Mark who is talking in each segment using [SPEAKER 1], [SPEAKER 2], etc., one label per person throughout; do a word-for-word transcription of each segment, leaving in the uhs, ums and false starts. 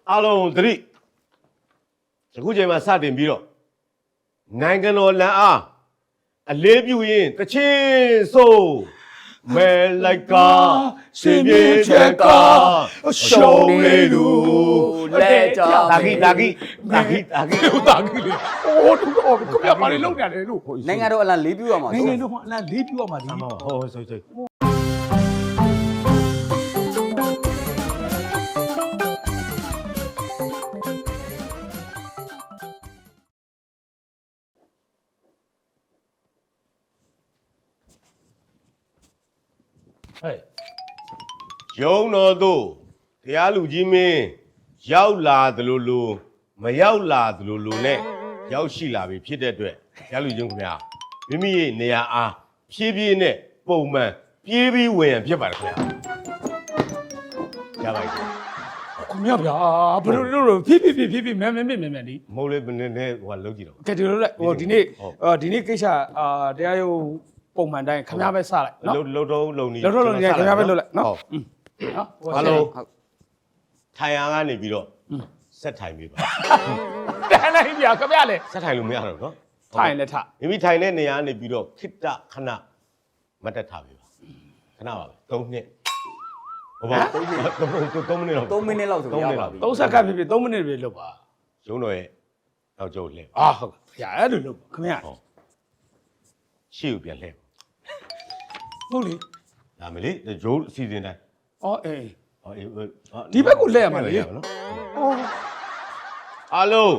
[SPEAKER 1] အားလုံးသတိအခုချိန်မှာစတင်ပြီးတော့နိုင်ငံတော်လမ်းအားအလေးပြုရင်တချင်းဆိုမဲလိုက်ကစင်ပြေချက်ကရှုံးလေလူလက်ကြတာဂီတာဂီတာဂီတာဂီတာဂီလေအိုးတူတော့ကိုပြပါလေလောက်ရတယ်လို့
[SPEAKER 2] နိုင်ငံတော်အလံလေးပြရမှာ
[SPEAKER 3] နိုင်ငံတော်အလံလေးပြရမှာဒီ
[SPEAKER 1] ဟောဟောဆိုဆိုဟဲ့ရုံတော်တို့တရားလူကြီးမင်းရောက်လာသလိုလိုမရောက်လာသလိုလိုနဲ့ရောက်ရှိလာပြီဖြစ်တဲ့အတွက်တရားလူကြီးခင်ဗျာမိမိရဲ့နေရာအားဖြည်းဖြည်းနဲ့ပုံမှန်ပြေးပြီးဝင်ရဖြစ်ပါတယ်ခင်ဗျာရပါပြီ
[SPEAKER 3] ခင်ဗျာဗျာဘယ်လိုလို့ဖြည်းဖြည်းဖြည်းဖြည်းဖြည်းမြန်မြန်မြန်မြန်ဒီ
[SPEAKER 1] မဟုတ်လေဘယ်နဲ့နဲ့ဟိုကလုံးကြည့်တော့
[SPEAKER 3] ကဲဒီလိုလိုက်ဟိုဒီနေ့ဒီနေ့ကိစ္စအာတရားရုံးပုံမှန်တိုင်းခင်ဗျားပဲစလိုက်နော်
[SPEAKER 1] လှုပ်တော့လုံနေ
[SPEAKER 3] လှုပ်တော့လုံနေခင်ဗျားပဲလှုပ်လိုက်နော်
[SPEAKER 1] ဟုတ်နော်ဘာလို့ထိုင်ရန်ကနေပြီးတော့ဆက်ထိုင်ပြီပါ
[SPEAKER 3] တန်းလိုက်ပြခင်ဗျားလေ
[SPEAKER 1] ဆက်ထိုင်လို့မရတော့နော်
[SPEAKER 3] ထိုင်လက်ထ
[SPEAKER 1] မိမိထိုင်တဲ့နေရာကနေပြီးတော့ခိတ္တခဏမတ်တက်ထားပြီပါခဏပါပဲသုံးနှစ်ဟိုပါသုံးမိနစ်သုံးမိနစ်တော့
[SPEAKER 2] သုံးမိနစ်လောက်ဆိုရပါပြီ
[SPEAKER 3] သုံးစက္ကန့်ဖြစ်ဖြစ်သုံးမိနစ်ပဲလုပ်ပါ
[SPEAKER 1] ရုံးတော်ရဲ့နောက်ကျုပ်လဲ
[SPEAKER 3] အာဟုတ်ဗျာအဲ့လိုလုပ်ခင်ဗျာ
[SPEAKER 1] ရှေ့ကိုပြန်လှည့်
[SPEAKER 3] ဟုတ်လေ
[SPEAKER 1] ဒါမလေးဂျိုးအစီအစဉ်တိုင်း
[SPEAKER 3] အော်အေး
[SPEAKER 1] ဟောအေး
[SPEAKER 3] ဒီဘက်ကိုလှည့်ရမှာလေ
[SPEAKER 1] နော်အော်အားလုံး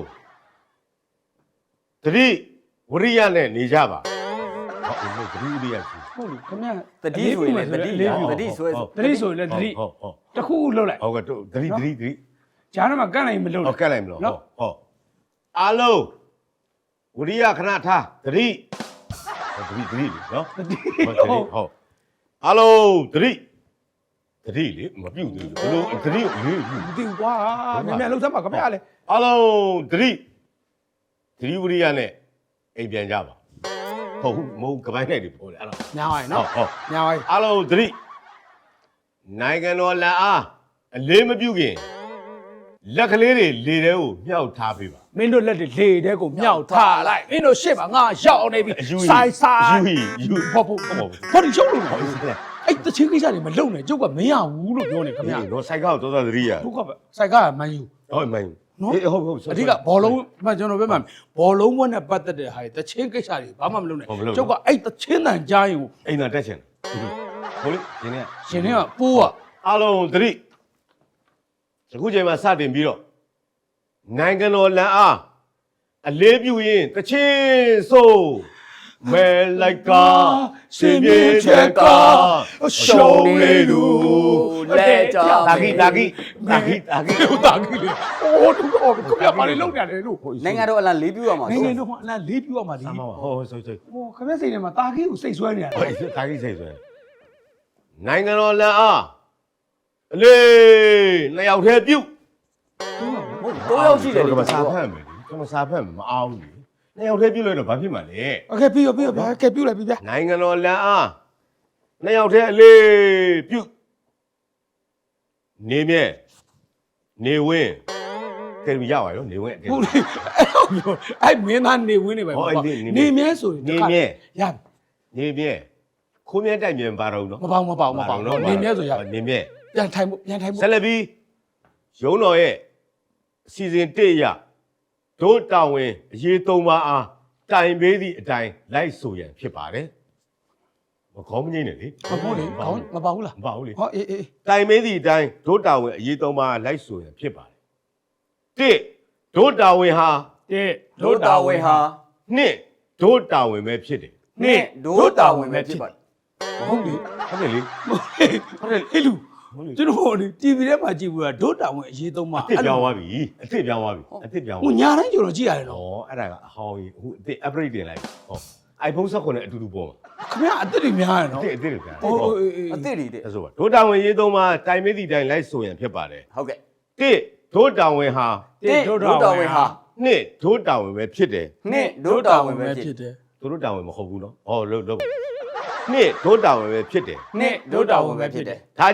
[SPEAKER 1] တတိဝရိယနဲ့နေကြပါဟုတ်ဟုတ်တတိဝရိယရှိ
[SPEAKER 3] ဟုတ်လေခင်ဗျာ
[SPEAKER 2] တတိဆိုရင်တတိတတိဆွဲ
[SPEAKER 3] တတိဆိုရင်လည်းတတိ
[SPEAKER 1] ဟုတ်ဟုတ်
[SPEAKER 3] တခုခုလှုပ်လိုက်
[SPEAKER 1] ဟုတ်ကဲ့တတိတတိတတိ
[SPEAKER 3] ဂျားတော့ကန့်လိုက်မလှုပ်
[SPEAKER 1] ဟုတ်ကန့်လိုက်မလို့ဟုတ်ဟုတ်အားလုံးဝရိယခဏထားတတိတတိတတိနော်
[SPEAKER 3] တတိ
[SPEAKER 1] ဟုတ်ဟုတ်အားလုံးတတိတတိလေမပြုတ်သေးဘူးဘယ်လိုတတိလေးပြုတ်
[SPEAKER 3] မသိကွာမြန်မြန်လှုပ်သမှာခင်ဗျာလေ
[SPEAKER 1] အားလုံးတတိတတိဝရိယနဲ့အိမ်ပြန်ကြပါဟုတ်မဟုတ်ကပိုင်းလိုက်တွေပေါ်တယ်အဲ့ဒါ
[SPEAKER 3] ညာပါနော်
[SPEAKER 1] ဟုတ်
[SPEAKER 3] ညာပါ
[SPEAKER 1] အားလုံးတတိနိုင်ငံတော်လက်အားအလေးမပြုတ်ခင်လက်ကလေးတွေလေတဲကိုမြှောက်ထားပေးပါ
[SPEAKER 3] မင်းတို့လက်တွေလေတဲကိုမြှောက်ထားလိုက်မင်းတို့ရှေ့မှာငါရောက်နေပြီဆိုင်ဆိုင်
[SPEAKER 1] ယူယူ
[SPEAKER 3] ဟုတ်ဟုတ်ဟုတ်ဘာဒီရှုပ်လို့အဲ့တချင်းကိစ္စတွေမလုံနဲ့ကျုပ်ကမရဘူးလို့ပြောနေခင်ဗျာ
[SPEAKER 1] တော့စိုက်ကောက်သောသတိရ
[SPEAKER 3] ဟုတ်ကဲ့စိုက်ကမန်ယူ
[SPEAKER 1] ဟုတ်မန်ယူ
[SPEAKER 3] နော်ဟုတ်ဟုတ်အဓိကဘောလုံးမှကျွန်တော်ပြောမှဘောလုံးဘွဲ့နဲ့ပတ်သက်တဲ့ဟာတွေတချင်းကိစ္စတွေဘာမှမလုပ်နဲ့ကျုပ်ကအဲ့တချင်းတန်ကြားရင်
[SPEAKER 1] အိမ်သာတက်ချင်ဟုတ်လေရှင်နေ
[SPEAKER 3] ရှင်နေကပိုးက
[SPEAKER 1] အားလုံးသတိအခုချိန်မှာစတင်ပြီးတော့နိုင်ငံတော်လမ်းအားအလေးပြုရင်တချင်းဆိုမဲလိုက်ကစင်ပြေချက်ကရှုံးလေလူ
[SPEAKER 2] လက်ကြ
[SPEAKER 1] တာဂီတာဂီတာဂီတာဂီ
[SPEAKER 3] တာဂီလေအိုးတူတော့ကိုပြပါလေလောက်ရတယ်လို့
[SPEAKER 2] နိုင်ငံတော်အလံလေးပြရမှာ
[SPEAKER 3] နိုင်ငံတော်အလံလေးပြရမှာဒီ
[SPEAKER 1] ဟောဟောဆိုဆို
[SPEAKER 3] ဟိုခမဲစိတ်ထဲမှာတာဂီကိုစိတ်ဆွဲနေရတယ်
[SPEAKER 1] ဟုတ်တာဂီစိတ်ဆွဲနိုင်ငံတော်လမ်းအားအလေးနှစ်ယောက်တည်းပြုတ်
[SPEAKER 2] ဟုတ်တော့ယောက်ရှိတယ်
[SPEAKER 1] ဒီမှာစာဖတ်မယ်ဒီမှာစာဖတ်မယ်မအောင်ဘူးနှစ်ယောက်တည်းပြုတ်လိုက်တော့ဘာဖြစ်မှာလဲ
[SPEAKER 3] โอเคပြီးရောပြီးရောဗျာကဲပြုတ်လိုက်ပြီဗျာ
[SPEAKER 1] နိုင်ငံတော်လမ်းအားနှစ်ယောက်တည်းအလေးပြုတ်နေမြဲနေဝင်းကဲရပါရောနေဝင်း
[SPEAKER 3] ဟုတ်လေအဲ့မင်းသားနေဝင်းနေပဲနေမြဲဆို
[SPEAKER 1] နေမြဲ
[SPEAKER 3] ရ
[SPEAKER 1] နေမြဲခိုးမြဲတိုက်မြဲပါတော့နော်
[SPEAKER 3] မပေါင်းမပေါင်းမပေါင်းနေမြဲဆိုရ
[SPEAKER 1] နေမြဲ
[SPEAKER 3] ပြန်ထိုင်ဖို့ပြန်ထိုင်ဖို့
[SPEAKER 1] ဆက်လက်ပြီးရုံးတော်ရဲ့အစီအစဉ်တစ်ရတို့တာဝန်အရေးသုံးပါးအားတိုင်ပေးသည့်အတိုင်းလိုက်ဆိုရန်ဖြစ်ပါတယ်မကောင်းမငိမ့်နဲ့လေ
[SPEAKER 3] မဟုတ်လေခေါင်းမပေါဘူးလား
[SPEAKER 1] မပေါဘူးလေ
[SPEAKER 3] ဟောအေးအေး
[SPEAKER 1] တိုင်ပေးသည့်အတိုင်းတို့တာဝန်အရေးသုံးပါးလိုက်ဆိုရန်ဖြစ်ပါတယ်တစ်တို့တာဝန်ဟာ
[SPEAKER 3] တစ်
[SPEAKER 2] တို့တာဝန်ဟာ
[SPEAKER 1] နှစ်တို့တာဝန်ပဲဖြစ်တယ်
[SPEAKER 2] နှစ်တို့တာဝန်ပဲဖြစ်ပါတယ်
[SPEAKER 3] ဟုတ်လေ
[SPEAKER 1] ဟုတ်တယ်လေ
[SPEAKER 3] ဟုတ်တယ်ဟဲ့လူကျွန်တော်ဒီ တီဗီ ထဲမှာကြည့်ဘူးလားဒုတာဝန်အရေးသုံးပါ
[SPEAKER 1] အစ်ပြောင်းသွားပြီအစ်ပြောင်းသွားပြီအစ်ပြောင်း
[SPEAKER 3] ဟိုညာတိုင်းကျွန်တော်ကြည့်ရတယ်နော်
[SPEAKER 1] ဩအဲ့ဒါကအဟောင်းကြီးဟိုအစ် upgrade တင်လိုက်ဟော iPhone ဆယ့်ခုနှစ်အတူတူပေါ်မှာ
[SPEAKER 3] ခင်ဗျာအစ်တွေများရနော်
[SPEAKER 1] အစ်အစ်တွေပြန်
[SPEAKER 3] ဟို
[SPEAKER 2] အစ်တွေတဲ့
[SPEAKER 1] ဆိုပါဒုတာဝန်ရေးသုံးပါတိုင်မေးသည့်တိုင်လိုက်ဆိုရင်ဖြစ်ပါတယ်
[SPEAKER 2] ဟုတ်ကဲ့
[SPEAKER 1] တစ်ဒုတာဝန်ဟာ
[SPEAKER 2] တစ်ဒုတာဝန်ဟာ
[SPEAKER 1] နှစ်ဒုတာဝန်ပဲဖြစ်တယ်
[SPEAKER 2] နှစ်ဒုတာဝန်ပဲဖြစ်တယ်
[SPEAKER 1] သူတို့တာဝန်မဟုတ်ဘူးနော်ဟောလို့လို့နှစ်ဒုတာဝန်ပဲဖြစ်တယ်
[SPEAKER 2] နှစ်ဒုတာဝန်ပဲဖြစ်တယ်
[SPEAKER 1] ဒါကြောင့်
[SPEAKER 2] ဒ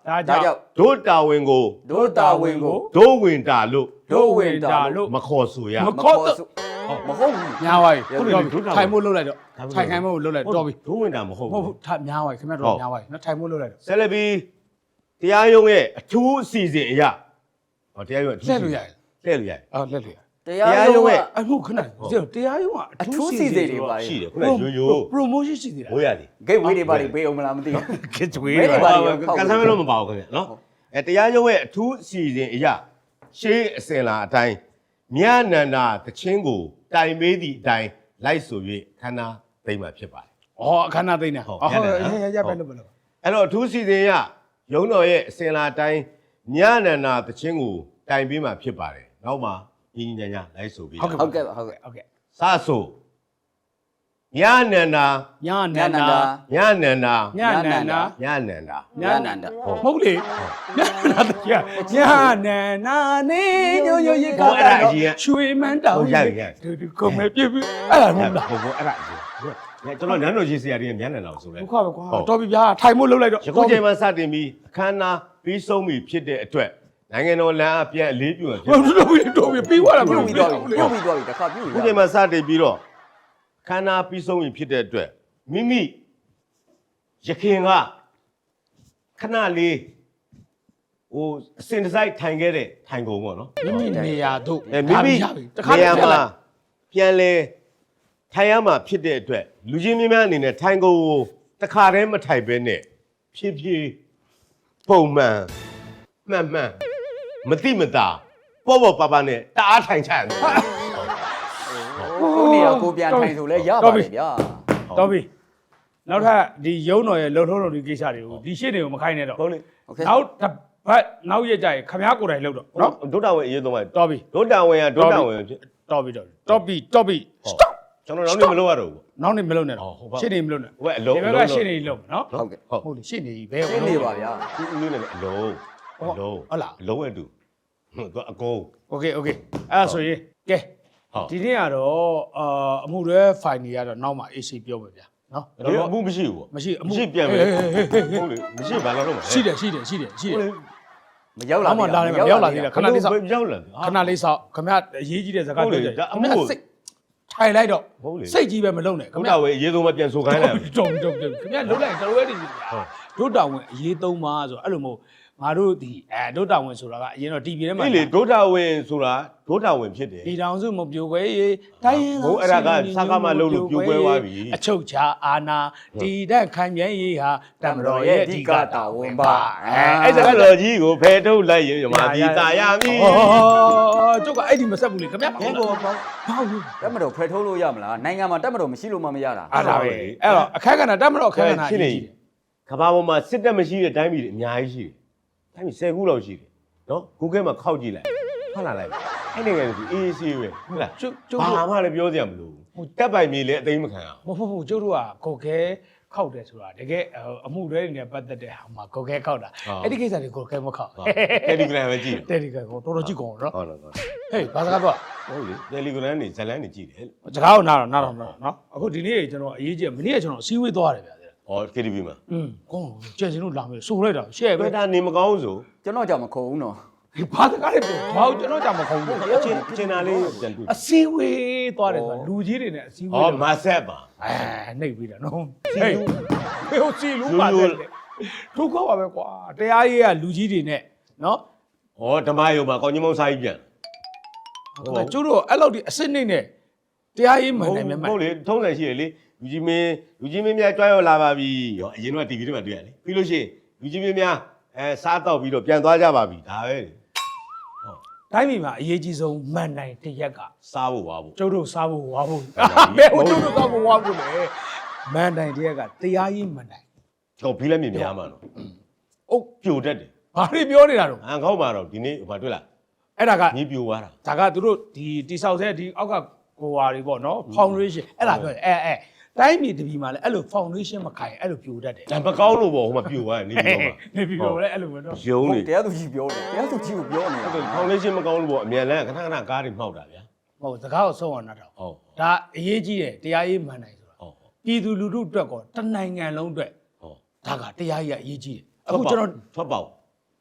[SPEAKER 3] ဒါကြောင့်
[SPEAKER 1] ဒုတာဝန်ကို
[SPEAKER 2] ဒုတာဝန်ကို
[SPEAKER 1] ဒုဝင်တာလို့
[SPEAKER 2] ဒုဝင်တာလို့
[SPEAKER 1] မခေါ်ဆိုရ
[SPEAKER 3] မခေါ်တော့
[SPEAKER 2] မဟုတ်ဘူး
[SPEAKER 3] ညာပါပြီ
[SPEAKER 1] ဟုတ်ပြီဒုတာဝန်
[SPEAKER 3] ထိုင်မို့လှုပ်လိုက်တော့ထိုင်ခိုင်းမို့လှုပ်လိုက်တော့ပြီ
[SPEAKER 1] ဒုဝင်တာမဟုတ်
[SPEAKER 3] ဟုတ်
[SPEAKER 1] ဘူး
[SPEAKER 3] ဟုတ်ထားညာပါပြီခင်ဗျားတို့ညာပါပြီနော်ထိုင်မို့လှုပ်လိုက်တော့
[SPEAKER 1] ဆက်လက်ပြီးတရားရုံးရဲ့အထူးအစီအစဉ်အရာဟောတရားရုံးအထူး
[SPEAKER 3] လက်လို့ရတယ်
[SPEAKER 1] လှည့်လို့ရတယ်
[SPEAKER 3] အော်လက်လို့ရ
[SPEAKER 2] တရားရုံးရဲ့
[SPEAKER 3] အမှုခဏတရားရုံးကအ
[SPEAKER 2] အထူး
[SPEAKER 3] ထူး
[SPEAKER 2] စီ
[SPEAKER 3] စီ
[SPEAKER 2] စဉ်
[SPEAKER 3] စဉ်
[SPEAKER 2] တွေပါ
[SPEAKER 1] ရှိ
[SPEAKER 2] လေ
[SPEAKER 1] တယ်ခုနရိုးရိုး
[SPEAKER 3] promotion ရှိသေးလား
[SPEAKER 1] ဘိုးရသည်
[SPEAKER 2] ဂိတ်ဝေးတွေပါလေပေးအောင်မလားမသိဘူး
[SPEAKER 3] ကစ်ဝေး
[SPEAKER 2] ဝေး
[SPEAKER 3] တွေ
[SPEAKER 2] ပါ
[SPEAKER 3] ပါ
[SPEAKER 2] လေ
[SPEAKER 1] ကန်ဆယ်မလို့မပါဘူးခင်ဗျနော်အဲတရားရုံးရဲ့အထူးအစီအစဉ်အရာရှေးအစဉ်လာအတိုင်းမြတ်နန္ဒာတချင်းကိုတိုင်မေးသည့်အတိုင်းလိုက်ဆို၍ခန္ဓာသိမ့်မှာဖြစ်ပါတယ်
[SPEAKER 3] ဩအခမ်းအနားသိနေဟုတ်ဟုတ်ရရပဲလို့ပဲလို့
[SPEAKER 1] အဲ့တော့အထူးစီစဉ်ရရုံးတော်ရဲ့အစဉ်လာအတိုင်းမြတ်နန္ဒာတချင်းကိုတိုင်ပေးမှာဖြစ်ပါတယ်နောက်မှညီညီညာညာလိုက်ဆိုပြီး
[SPEAKER 2] ဟုတ်ကဲ့ဟုတ်ကဲ့
[SPEAKER 3] ဟုတ်ကဲ့
[SPEAKER 1] စဆိုမြတ်နန္ဒာ
[SPEAKER 3] ညာန
[SPEAKER 2] ည
[SPEAKER 3] န္
[SPEAKER 2] နန္
[SPEAKER 3] ဒာ
[SPEAKER 2] ဒာ
[SPEAKER 1] မြတ်နန္ဒာ
[SPEAKER 3] ညာနန္ဒာ
[SPEAKER 1] မြတ်နန္ဒာ
[SPEAKER 2] ညနန္ဒာ
[SPEAKER 3] ဟုတ်လေညာနန္ဒာညာနန္ဒာနေညိုညိုရေကရွှေမန်းတောင်ဒီကုံမဲ့ပြပြအဲ့ဒါမဟုတ်လား
[SPEAKER 1] ဘို့ဘို့အဲ့ဒါကျွန်တော်နန်းတော်ကြီးဆရာကြီးမြတ်နန္ဒာကိုဆိုလဲ
[SPEAKER 3] ဒုက္ခပဲကွာတော်ပြီဗျာထိုင်မို့လှုပ်လိုက်တော့
[SPEAKER 1] ယခုချိန်မှာစတင်ပြီးအခမ်းအနားပြီးဆုံးပြီဖြစ်တဲ့အတွက်နိုင်ငံတော်လမ်းအပြန်အလေးပြုရဖြစ်
[SPEAKER 3] ဟုတ်တော်ပြီတော်ပြီပြီးသွားတာမ
[SPEAKER 2] ပြု
[SPEAKER 3] လို့
[SPEAKER 2] တ်
[SPEAKER 3] ပြီး
[SPEAKER 2] ပြီး
[SPEAKER 3] တော့
[SPEAKER 2] တော့ပြုတ်ပြီးတော့တခါပြုတ်
[SPEAKER 1] ယ
[SPEAKER 2] ရ
[SPEAKER 1] ခုချိန်မှာစတင်ပြီးတော့အခမ်းအနားပြီးဆုံးပြီဖြစ်တဲ့အတွက်မိမိရခင်ကခဏလေးဟိုအစင်တစိုက်ထိုင်ခဲ့တဲ့ထိုင်ကုန်ပေါ့နော်
[SPEAKER 3] မိမိနေရာတို့
[SPEAKER 1] အဲမိမိ
[SPEAKER 3] တခါ
[SPEAKER 1] နေ
[SPEAKER 3] တ
[SPEAKER 1] ရာ
[SPEAKER 3] ည်း
[SPEAKER 1] မှာ
[SPEAKER 3] လိုက်
[SPEAKER 1] ပြန်လဲထိုင်ရမှာဖြစ်တဲ့အတွက်လူချင်းများများအနေနဲ့ထိုင်ကုန်ကိုတခါတည်းမထိုင်ဘဲနဲ့ဖြည်းဖြည်းပုံမှန်မှန်မှန်မတိမတာပေါ့ပေါ့ပါပါနဲ့တအားထိုင်ချရတယ်
[SPEAKER 2] ကိုနေရာကိုပြန်ထိုင်ဆိုလဲရပါတယ်ဗျာ
[SPEAKER 3] တော်ပြီနောက်ထပ်ဒီရုံးတော်ရဲ့လှုပ်ထုံးတော်ဒီကိစ္စတွေကိုဒီရှင်းတွေကိုမခိုင်းနဲ့တော့
[SPEAKER 1] ဟုတ်လေ
[SPEAKER 2] โอเค
[SPEAKER 3] နောက်တစ်ပတ်နောက်ရက်ကြရင်ခမားကိုယ်တိုင်လှုပ်တော့နော်
[SPEAKER 1] ဒုတာဝင်အရေးသုံးပါ
[SPEAKER 3] တော်ပြီ
[SPEAKER 1] ဒုတာဝင်ကဒုတာဝင်ဖြစ်
[SPEAKER 3] တော်ပြီတော်ပြီတော်ပြီတော်ပြီ stop
[SPEAKER 1] ကျွန်တော်နောက်နေ့မလုပ်ရတော့ဘူး
[SPEAKER 3] နောက်နေမလုပ်နဲ့တော့
[SPEAKER 1] ဟုတ်ပါ
[SPEAKER 3] ရှင်းနေမလုပ်နဲ့
[SPEAKER 1] ဟိုကအလုံး
[SPEAKER 3] ဒီဘက်ကရှင်းနေလုပ်နော်
[SPEAKER 2] ဟုတ်ကဲ့
[SPEAKER 1] ဟုတ်
[SPEAKER 3] ဟုတ်လေရှင်းနေပြီဘယ်
[SPEAKER 2] ရှင်းနေပါဗျာ
[SPEAKER 1] ဒီဦးလေးနဲ့အလုံးအလုံး
[SPEAKER 3] ဟုတ်လား
[SPEAKER 1] အလုံးအတူဟုတ်သူအကုန်
[SPEAKER 3] โอเคโอเคအဲ့ဒါဆိုရင်ကဲ
[SPEAKER 1] ဟုတ်
[SPEAKER 3] ဒီနေ့ကတော့အာအမှုတွေဖိုင်တွေကတော့နောက်မှ A C ပြောမယ်ဗျာနော်
[SPEAKER 1] ဒီအမှုမရှိဘူးပေါ့
[SPEAKER 3] မရှိအမှု
[SPEAKER 1] မရှိပြန်မယ်
[SPEAKER 3] ဟေးဟေးဟေးဟေး
[SPEAKER 1] ဟုတ်လေမရှိဘာလို့တော့မလဲ
[SPEAKER 3] ရှိတယ်ရှိတယ်ရှိတယ်ရှိတယ်
[SPEAKER 2] မရောက်လာ
[SPEAKER 3] နောက်မှလာတယ်မရောက်လာသေးတယ်ခဏလေးစောင့်
[SPEAKER 1] ရောက်လာ
[SPEAKER 3] ခဏလေးစောင့်ခမရအရေးကြီးတဲ့ဇာတ်
[SPEAKER 1] ဟုတ်လေ
[SPEAKER 3] ပြောကြ
[SPEAKER 1] ဒါအ
[SPEAKER 3] ခ
[SPEAKER 1] မှု
[SPEAKER 3] မရ
[SPEAKER 1] ကို
[SPEAKER 3] စိတ်ထိုင်လိုက်တော့
[SPEAKER 1] ဟုတ်လေ
[SPEAKER 3] စိတ်ကြီးပဲမလုံနဲ့ခ
[SPEAKER 1] ဒု
[SPEAKER 3] မရ
[SPEAKER 1] တာဝင်အရေးသုံးပါပြန်ဆိုခိုင်းလိုက်
[SPEAKER 3] တုံတုံတုံခမရလုံလိုက်တော်ရဲနေပြီဒုတာဝင်အရေးသုံးပါဆိုအဲ့လိုမဟုတ်ငါတို့ဒီအဲဒုတာဝင်ဆိုတာကအရင်တော့ တီဗီ ထဲမှာ
[SPEAKER 1] အေးလေဒုတာဝင်ဆိုတာဒုတာဝင်ဖြစ်တယ်
[SPEAKER 3] ဒီတောင်စုမပြိုခွဲရေးတိုင်းရင်း
[SPEAKER 1] ဘိုးအဲ့ဒါကစကားမလုပ်လို့ပြိုကွဲသွားပြီ
[SPEAKER 3] အချုပ်ချာအာနာတီတက်ခိုင်မြဲရေးဟာတမတော်ရဲ့အဓိကတာဝန်ပါအဲ
[SPEAKER 1] အဲ့ဒါကတော်ကြီးကိုဖယ်ထုတ်လိုက်ရင်မြမပြည်တာရမည်
[SPEAKER 3] ဩကျုပ်ကအဲ့ဒီမဆက်ဘူးလေခင်ဗျာ
[SPEAKER 2] ဘယ်ကိုပေါ့
[SPEAKER 3] ဘာလို့
[SPEAKER 2] တက်မတော်ဖယ်ထုတ်လို့ရမလားနိုင်ငံမှာတက်မတော်မရှိလို့မှမရတာ
[SPEAKER 3] အားဒါပဲအဲ့တော့အခက်ကဏ္ဍတမတော်အခက်ကဏ္ဍအရေးကြီးတယ်
[SPEAKER 1] ကဘာပေါ်မှာစစ်တပ်မရှိတဲ့တိုင်းပြည်တွေအများကြီးရှိတယ်တိုင်းပြည်ဆယ်ခုလောက်ရှိတယ်နော် Google မှာခောက်ကြည့်လိုက်ဟုတ်လားလိုက်အဲ့နိုင်ငံကအေးဆေးပဲဟုတ်လား
[SPEAKER 3] ကျုပ်ကျုပ်
[SPEAKER 1] ဘာမှလည်းပြောစရာမလိုဘူးတက်ပိုင်မြေလည်းအသိမ်းမခံအောင်
[SPEAKER 3] မဟုတ်ဘူးကျုပ်တို့ကကိုခဲခောက်တယ်ဆိုတာတကယ်အမှုတွေနဲ့ပတ်သက်တဲ့ဟာမှာကိုခဲခောက်တာအဲ့ဒီကိစ္စတွေကိုခဲမခောက်
[SPEAKER 1] Telegram ပဲကြည့်
[SPEAKER 3] တယ်ဒီကကိုတော်တော်ကြည့်ကုန်နော်
[SPEAKER 1] ဟုတ်လားဟုတ်
[SPEAKER 3] ဟေးဘာစကားပြော
[SPEAKER 1] ဟုတ်လေ Telegram နေဇလန်းနေကြည့်တယ်
[SPEAKER 3] စကားကိုနားတော့နားတော့နော်အခုဒီနေ့ကျွန်တော်အရေးကြီးမနေ့ကကျွန်တော်အစည်းအဝေးသွားတယ်ဗျာ
[SPEAKER 1] ဟော K T V မှာ
[SPEAKER 3] อืมကောင်းကျန်စင်တို့လာမယ်ဆိုလိုက်တာရှဲ့ပဲ
[SPEAKER 1] ဘယ်တာနေမကောင်းဆို
[SPEAKER 2] ကျွန်တော်ကြောင့်မခုံဘူးနော်
[SPEAKER 3] ဒီဘာစကားလဲပြောဘာလို့ကျွန်တော်ကြောင့်မခုံဘူး
[SPEAKER 1] အချင်းအချင်းသားလေးပြန်တွေ့
[SPEAKER 3] အစည်းအဝေးသွားတယ်ဆိုတာလူကြီးတွေနဲ့အစည်းအဝေး
[SPEAKER 1] ဟောမဆက်ပါ
[SPEAKER 3] အဲနှိပ်ပြီးတာနော်ဟေးဘယ်ဟိုစီလူပါတယ်ဒုက္ခပါပဲကွာတရားရေးကလူကြီးတွေနဲ့နော်
[SPEAKER 1] ဟောဓမ္မယုံမှာကောင်းကြီးမောင်စာကြီးပြန်
[SPEAKER 3] ဟုတ်ကျိုးတို့အဲ့လောက်ဒီအစစ်နှိမ့်နဲ့တရားရေးမှန်တယ်မြတ်မှန်
[SPEAKER 1] ဟုတ်လေထုံးစံရှိတယ်လေလူကြီးမင်းလူကြီးမင်းများကြွားရောက်လာပါပြီဟောအရင်တော့ T V ထဲမှာတွေ့ရလေပြီးလို့ရှိရင်လူကြီးမင်းများအဲစားတော့ပြီးတော့ပြန်သွားကြပါပြီဒါပဲ
[SPEAKER 3] တိုင်းပြည်မှာအရေးကြီးဆုံးမှန်နိုင်တရက်က
[SPEAKER 1] စားဖို့ဝါဖို့
[SPEAKER 3] ကျုပ်တို့စားဖို့ဝါဖို့ဘယ်ဟိုကျုပ်တို့စားဖို့ဝါဖို့လဲမှန်နိုင်တရက်ကတရားရေးမှန်နိုင်
[SPEAKER 1] ဟောဘီလက်မြင်များမှာတော့
[SPEAKER 3] အုတ်
[SPEAKER 1] ပြိုတတ်တယ်
[SPEAKER 3] ဘာတွေပြောနေတာတော့
[SPEAKER 1] အန်ခေါက်မှာတော့ဒီနေ့ဟိုတွေ့လား
[SPEAKER 3] အဲ့ဒါက
[SPEAKER 1] မြေပြိုသွားတာ
[SPEAKER 3] ဒါကသူတို့ဒီတိဆောက်တဲ့ဒီအောက်ကကိုဝါတွေပေါ့နော် foundation အဲ့ဒါပြောတယ်အဲအဲတိုင်းပြည်တပြည်မှာလည်းအဲ့လို foundation မခိုင်အဲ့လိုပြိုတတ်တယ်
[SPEAKER 1] ဒါမကောင်းလို့ပေါ့ဟိုမှာပြိုသွားတယ်နေပြီးတော့မှ
[SPEAKER 3] နေပြီးတော့လည်းအဲ့လိုပဲနော်
[SPEAKER 1] ယုံနေ
[SPEAKER 2] တရားသူကြီးပြောတယ်တရားသူကြီးကိုပြောနေတာ
[SPEAKER 1] ဟုတ်တယ် foundation မကောင်းလို့ပေါ့အမြန်လန်းခဏခဏကားတွေမှောက်တာဗျာ
[SPEAKER 3] ဟုတ်စကားကိုဆုံးအောင်နားတော့
[SPEAKER 1] ဟုတ်
[SPEAKER 3] ဒါအရေးကြီးတယ်တရားရေးမှန်နိုင်ဆိုတာ
[SPEAKER 1] ဟုတ်
[SPEAKER 3] ပြည်သူလူထုအတွက်ကောတနိုင်ငံလုံးအတွက်
[SPEAKER 1] ဟုတ်
[SPEAKER 3] ဒါကတရားရေးကအရေးကြီးတယ်အခုကျွန်တော်
[SPEAKER 1] ထွက်ပေါက်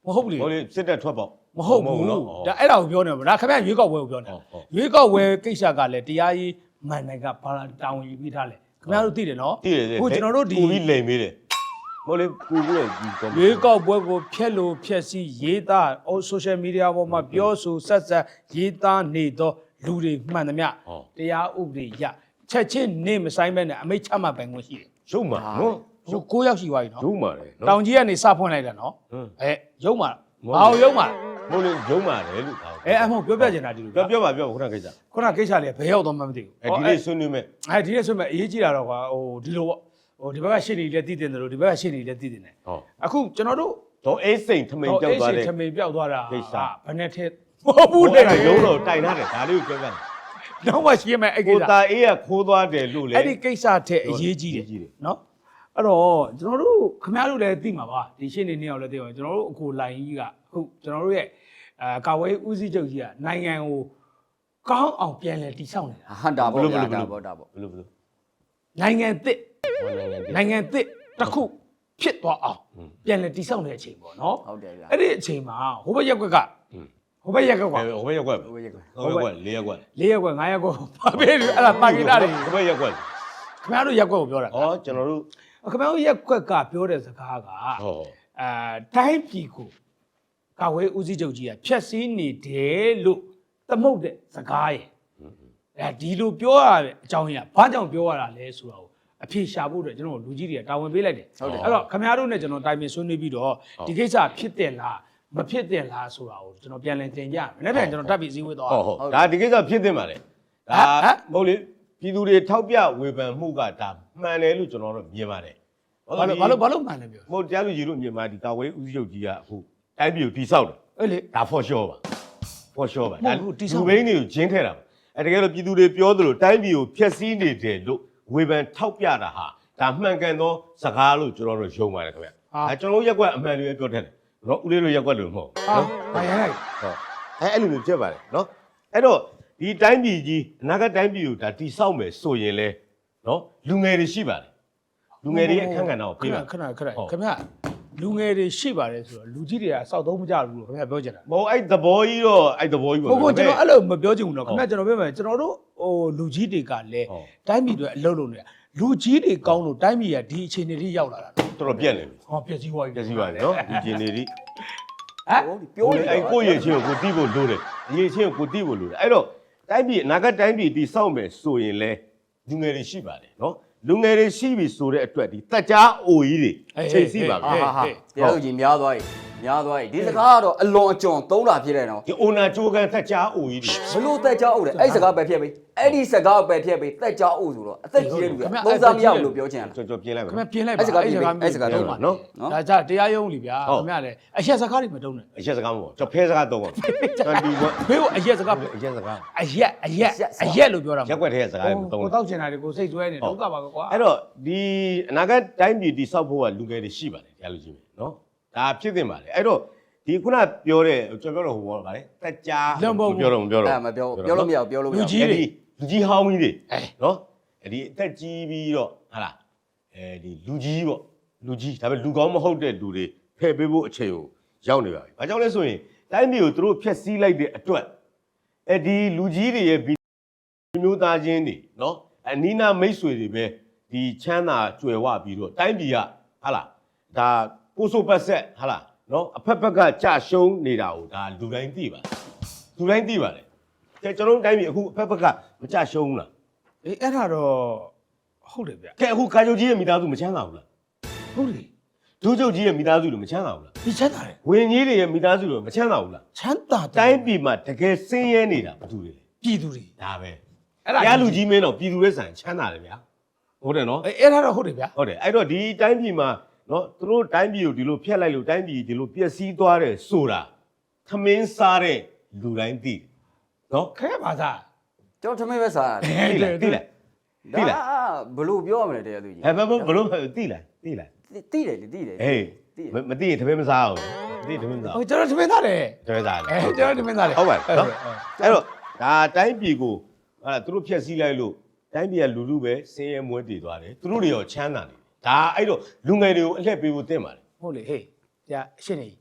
[SPEAKER 3] မဟုတ်ဘူးလေ
[SPEAKER 1] ဟိုလေစစ်တက်ထွက်ပေါ့
[SPEAKER 3] မဟုတ်ဘူးဒါအဲ့ဒါကိုပြောနေမှာဒါခင်ဗျရွေးကောက်ပွဲကိုပြောနေတာရွေးကောက်ပွဲကိစ္စကလည်းတရားရေးမှန်တယ်ကဘာတာဝန်ယူပြီးထားလဲခင်ဗျားတို့သိတယ်နော်
[SPEAKER 1] သိတယ်လေ
[SPEAKER 3] အခုကျွန်တော်တို့ဒီ
[SPEAKER 1] ပူပြီးလိမ်မေးတယ်မဟုတ်လေပူပြီးဒီကော
[SPEAKER 3] ရွေးကောက်ပွဲကိုဖျက်လို့ဖျက်စီးရေးသားဟို social media ပေါ်မှာပြောဆိုဆက်ဆက်ရေးသားနေသောလူတွေမှန်သမျှတရားဥပဒေရချက်ချင်းနေမဆိုင်ပဲနဲ့အမိတ်ချမှတ်ပိုင်ခွင့်ရှိတယ်
[SPEAKER 1] ရုပ်မှာနော်
[SPEAKER 3] ရုပ်ကိုးယောက်ရှိသွားပြီနော်
[SPEAKER 1] ရုပ်မှာလေနော်
[SPEAKER 3] တောင်ကြီးကနေစဖွင့်လိုက်တာနော်အဲရုပ်မှာဘာလို့ရုပ်မှာ
[SPEAKER 1] မဟုတ်လေရုပ်မှာလေလို့ပြော
[SPEAKER 3] အဲအမဟုတ်ပြောပြချင်တာဒီလို
[SPEAKER 1] ပြောပြောပါပြောခုနကိစ္စ
[SPEAKER 3] ခုနကိစ္စလေးဘယ်ရောက်တော့မှမသိဘူး
[SPEAKER 1] အဲဒီနေ့ဆွေးနွေးမယ်
[SPEAKER 3] အဲဒီနေ့ဆိုမဲ့အရေးကြီးတာတော့ကွာဟိုဒီလိုပေါ့ဟိုဒီဘက်ကရှင်းနေလည်းတည်တင်တယ်လို့ဒီဘက်ကရှင်းနေလည်းတည်တင်တယ်
[SPEAKER 1] ဟော
[SPEAKER 3] အခုကျွန်တော်တို့
[SPEAKER 1] တော့အိတ်စိန်ထမိန်ကြောက်သွားတယ်
[SPEAKER 3] ထမိန်ပြောက်သွားတာ
[SPEAKER 1] ကိစ္စ
[SPEAKER 3] ဘယ်နဲ့ထက်မဟုတ်ဘူးလေ
[SPEAKER 1] ရုံးတော့တိုင်ထားတယ်ဒါလေးကိုပြောပြတယ်
[SPEAKER 3] တော့မှရှင်းမယ်အဲ့ကိ
[SPEAKER 1] ကို
[SPEAKER 3] စ္စ
[SPEAKER 1] တာအေးကခိုးသွားတယ်လို့လေ
[SPEAKER 3] အဲ့ဒီကိစ္စထက်အရေးကြီးတယ်နော်အဲ့တော့ကျွန်တော်တို့ခင်ဗျားတို့လည်းသိမှာပါဒီရှင်းနေနေအောင်လည်းသိပါကျွန်တော်တို့အခုလိုင်းကြီးကအခုကျွန်တော်တို့ရဲ့အဲကာဝေးဦးစီးချုပ်ကြီးကနိုင်ငံကိုကောင်းအောင်ပြန်လဲတည်ဆောက်နေတာ
[SPEAKER 2] ဟန်တာပေါ့ဗျာဒါပေါ့ဒါပေါ့
[SPEAKER 1] ဘယ်လိုဘယ်လို
[SPEAKER 3] နိုင်ငံသစ်
[SPEAKER 1] နိုင်ငံတည်
[SPEAKER 3] နိုင်ငံသစ်တစ်ခုဖြစ်သွားအောင်ပြန်လဲတည်ဆောက်နေတဲ့အချိန်ပေါ့နော်
[SPEAKER 2] ဟုတ်တယ်ဗျာ
[SPEAKER 3] အဲ့ဒီအချိန်မှာဟိုဘက်ရက်ကွက်ကဟိုဘက်ရက်ကွက်က
[SPEAKER 1] ဟိုဘက်ရက်ကွက်
[SPEAKER 2] ဟိုရက်ကွယ်
[SPEAKER 1] ဟိုဘက်ရက်ကွက်လေးရက်ကွက်
[SPEAKER 3] လေးရက်ကွက်ငါးရက်ကွက်ဘာပဲလို့အဲ့ဒါပါကိတာတွေ
[SPEAKER 1] ဟိုဘက်ရက်ကွက်
[SPEAKER 3] ခင်ဗျားတို့ရက်ကွက်ကိုပြောတာ
[SPEAKER 1] ဩကျွန်တော်တို့
[SPEAKER 3] ခင်ဗျားတို့ရက်ကွက်ကပြောတဲ့စကားက
[SPEAKER 1] ဟော
[SPEAKER 3] အဲတိုင်းပြည်ကိုကာဝေးဦးစီးချုပ်ကြီးကဖြက်စီးနေတယ်လို့သမုတ်တဲ့စကားရယ်အဲဒီလိုပြောရတဲ့အကြောင်းကြီးကဘာကြောင့်ပြောရတာလဲဆိုတာကိုအဖြေရှာဖို့အတွက်ကျွန်တော်လူကြီးတွေကတာဝန်ပေးလိုက်တယ်အဲ့တော့ခင်ဗျားတို့နဲ့ကျွန်တော်တိုင်ပင်ဆွေးနွေးပြီးတော့ဒီကိစ္စဖြစ်တယ်လားမဖြစ်တယ်လားဆိုတာကိုကျွန်တော်ပြန်လည်တင်ကြမယ်။နောက်ပြန်ကျွန်တော်တက်ပြီးစည်းဝေးသွား
[SPEAKER 1] ဟုတ်ဟုတ်ဒါဒီကိစ္စဖြစ်တင်ပါလေဒါမဟုတ်လေပြည်သူတွေထောက်ပြဝေဖန်မှုကဒါမှန်တယ်လို့ကျွန်တော်တို့မြင်ပါတယ်
[SPEAKER 3] ။ဘာလို့ဘာလို့ဘာလို့မှန်လဲပြော
[SPEAKER 1] မဟုတ်တရားလူကြီးတို့မြင်ပါဒီကာဝေးဦးစီးချုပ်ကြီးကအခုတိုင်းပြည်ကိုတိဆောက်တယ်
[SPEAKER 3] ။အဲ့လေ
[SPEAKER 1] ဒါ for sure ပါ for sure ပါ
[SPEAKER 3] မဟုတ်ဘူးတိဆောက်
[SPEAKER 1] လူဘိန်းတွေကိုဂျင်းထဲတာပါအဲတကယ်လို့ပြည်သူတွေပြောသလိုတိုင်းပြည်ကိုဖျက်ဆီးနေတယ်လို့ဝေဖန်ထောက်ပြတာဟာဒါမှန်ကန်သောစကားလို့ကျွန်တော်တို့ယုံပါတယ်ခင်ဗျအဲကျွန်တော်တို့ရက်ကွက်အမှန်တွေပြောတယ်နော်ဦးလေးတို့ရက်ကွက်လို့မဟုတ်
[SPEAKER 3] ဟာဘာရလိုက်
[SPEAKER 1] ဟုတ်အဲအဲ့လိုမျိုးဖြစ်ပါတယ်နော်အဲ့တော့ဒီတိုင်းပြည်ကြီးအနာဂတ်တိုင်းပြည်ကိုဒါတိဆောက်မယ်ဆိုရင်လဲနော်လူငယ်တွေရှိပါတယ်လူငယ်တွေရဲ့အခန်းကဏ္ဍကို
[SPEAKER 3] ခ
[SPEAKER 1] ပြေး
[SPEAKER 3] ဏ
[SPEAKER 1] ပါ
[SPEAKER 3] ခဏခဏခင်ဗျလူငယ်တွေရှိပါတယ်ဆိုတော့လူကြီးတွေကစောက်သုံးမကြဘူးလို့ခင်ဗျပြောချင်တာ
[SPEAKER 1] မဟုတ်အဲ့သဘောကြီးတော့အဲ့သဘောကြီး
[SPEAKER 3] ။
[SPEAKER 1] ပေါ့
[SPEAKER 3] ဟုတ်ကဲ့ကျွန်တော်အဲ့လိုမပြောချင်ဘူးနော်ခင်ဗျကျွန်တော်ပြောမယ်ကျွန်တော်တို့ဟိုလူကြီးတွေကလည်း
[SPEAKER 1] ဟုတ်
[SPEAKER 3] တိုင်းပြည်တွေအလုပ်လုပ်နေတာလူကြီးတွေကောင်းလို့တိုင်းပြည်ကဒီအခြေအနေလေးရောက်လာတာနော်
[SPEAKER 1] တော်တော်ပြက်နေပြီ
[SPEAKER 3] ။ဟောပြည့်စည်သွားပြီ
[SPEAKER 1] ပြက်စီပါလေနော်ဒီဂျင်နေဒီ
[SPEAKER 3] ဟမ်
[SPEAKER 2] ပြောနေ
[SPEAKER 1] အဲ့ကိုယ့်ရဲ့ချင်းကိုကိုတိဖို့လိုတယ်ဒီရဲ့ချင်းကိုကိုတိဖို့လိုတယ်အဲ့တော့တိုင်းပြည်အနာဂတ်တိုင်းပြည်တိဆောက်မယ်ဆိုရင်လဲလူငယ်တွေရှိပါတယ်နော်လူငယ်တွေရှိပြီဆိုတဲ့အတွက်ဒီတက်ကြားအိုကြီးတွေချိန်စီပါပဲ
[SPEAKER 2] ဟာဟာတရားသူကြီးများသွားပြီများသွားပြီဒီစကားကတော့အလွန်အကျွံသုံးတာဖြစ်တယ်နော်
[SPEAKER 1] ဒီအိုနာချိုးကန်တက်ကြားအိုကြီးတွေ
[SPEAKER 2] ဘလို့တက်ကြောက်တယ်အဲ့စကားပဲဖြစ်ပြီအဲ့ဒီစကားပဲဖြစ်ပြီတက်ကြောက်ဆိုတော့အသက်ကြီးတဲ့လူကသုံးစားမရဘူးလို့ပြောချင်တာ
[SPEAKER 1] ကျွန်တော်ပြင်လိုက်ပါ
[SPEAKER 3] ခင်ဗျပြင်းလိုက်ပါ
[SPEAKER 2] အဲ့စကားပြင်အဲ့စကားတော့ပါ
[SPEAKER 1] နော်
[SPEAKER 2] နော်
[SPEAKER 3] ဒါကြတရားရုံးလीဗျာခင်ဗျလည်းအရက်စကားတွေမတုံးနဲ့
[SPEAKER 1] အရက်စကားမဟုတ်ကျွန်တော်ဖဲစကားသုံးပါကျွန်တော်ဒီက
[SPEAKER 3] ဘေးကိုအရက်စကား
[SPEAKER 1] အရက်စကား
[SPEAKER 3] အရက်အရက်အရက်လို့ပြောတာ
[SPEAKER 1] ရက်ွက်ထဲစကားတွေသုံး
[SPEAKER 3] ကို
[SPEAKER 1] တယ်
[SPEAKER 3] တောက်ချင်တာတွေကိုစိတ်ဆွဲနေဒုက္ခပါကွာ
[SPEAKER 1] အဲ့တော့ဒီအနာဂတ်တိုင်းပြည်တိဆောက်ဖို့ကလူငယ်တွေရှိပါတယ်တရားလူကြီးပဲနော်ဒါဖြစ်တင်ပါတယ်အဲ့တော့ဒီခုနပြောတဲ့ကျွန်တော်ပြောတော့ဟိုဘောပါလေတက်ကြားပြောတော့မပြောတော့
[SPEAKER 2] အဲ့မပြောပြောလို့မရဘူးပြောလို့မရ
[SPEAKER 3] လူ
[SPEAKER 2] ဘူး
[SPEAKER 3] ကြီးတွေ
[SPEAKER 1] လူကြီးဟောင်းကြီးတွေ
[SPEAKER 3] အဲ
[SPEAKER 1] နော်အဲ့ဒီအသက်ကြီးပြီးတော့ဟာလားအဲဒီလူကြီးပေါ့လူကြီးဒါပေမဲ့လူကောင်းမဟုတ်တဲ့လူတွေဖယ်ပေးဖို့အချိန်ကိုရောက်နေပါပြီ။ဘာကြောင့်လဲဆိုရင်တိုင်းပြည်ကိုသူတို့ဖျက်ဆီးလိုက်တဲ့အတွက်အဲဒီလူကြီးတွေရဲ့မျိုးသားချင်းတွေနော်အနီးနာမိတ်ဆွေတွေပဲဒီချမ်းသာကြွယ်ဝပြီးတော့တိုင်းပြည်ကဟာလားဒါကိုဆိုပတ်ဆက်ဟာလားနော်အဖက်ဖက်ကကြာရှုံးနေတာကိုဒါလူတိုင်းသိပါတယ်လူတိုင်းသိပါတယ်ကျကျွန်တော်တို့တိုင်းပြည်အခုအဖက်ဖက်ကမကြာရှုံးဘူးလား
[SPEAKER 3] အေးအဲ့ဒါတော့ဟုတ်တယ်ဗျ
[SPEAKER 1] ကဲအခုကာချုပ်ကြီးရဲ့မိသားစုမချမ်းသာဘူးလား
[SPEAKER 3] ဟုတ်တယ်
[SPEAKER 1] ဒုချုပ်ကြီးရဲ့မိသားစုတွေမချမ်းသာဘူးလား
[SPEAKER 3] ဒီချမ်းသာတယ်
[SPEAKER 1] ဝင်ကြီးတွေရဲ့မိသားစုတွေမချမ်းသာဘူးလား
[SPEAKER 3] ချမ်းသာတယ်
[SPEAKER 1] တိုင်းပြည်မှာတကယ်ဆင်းရဲနေတာဘာတူလဲ
[SPEAKER 3] ပြည်သူတွေ
[SPEAKER 1] ဒါပဲ
[SPEAKER 3] အဲ့ဒါ
[SPEAKER 1] တရားလူကြီးမင်းတော့ပြည်သူတွေဆိုင်ချမ်းသာတယ်ဗျာဟုတ်တယ်နော်
[SPEAKER 3] အေးအဲ့ဒါတော့ဟုတ်တယ်ဗျာ
[SPEAKER 1] ဟုတ်တယ်အဲ့တော့ဒီတိုင်းပြည်မှာနော်သူတို့တိုင်းပြည်ကိုဒီလိုဖျက်လိုက်လို့တိုင်းပြည်ဒီလိုပျက်စီးသွားတယ်ဆိုတာခမင်းစားတဲ့လူတိုင်းသိတယ်နော်
[SPEAKER 3] ခဲပါသား
[SPEAKER 2] ကျွန်တော်ထမင်းပဲစား
[SPEAKER 1] သိလားသိလား သိလား
[SPEAKER 2] ဒါဘလို့ပြောရမလဲတရားသူကြီး
[SPEAKER 1] ဟဲ့ဘယ်ဘလို့သိလားသိလား
[SPEAKER 2] တိတယ်လေတိတယ်
[SPEAKER 1] ဟေးမသိရင်တပည့်မစားဘူးမသိတပည့်မစား
[SPEAKER 3] ဟိုကျွန်တော်သမင်းသားတယ်
[SPEAKER 1] တပည့်စားတယ်
[SPEAKER 3] အဲကျွန်တော်သမင်းသားတယ်
[SPEAKER 1] ဟုတ်ပါနော်အဲ့တော့ဒါတိုင်းပြည်ကိုဟာသူတို့ဖျက်ဆီးလိုက်လို့တိုင်းပြည်ကလူလူပဲဆင်းရဲမွဲတည်သွားတယ်သူတို့တွေရောချမ်းသာနေတယ်ဒါအဲ့တော့လူငယ်တွေကိုအလှည့်ပေးဖို့တင့်ပါတယ်
[SPEAKER 3] ဟုတ်လေဟေးကြာရှင်းနေဟို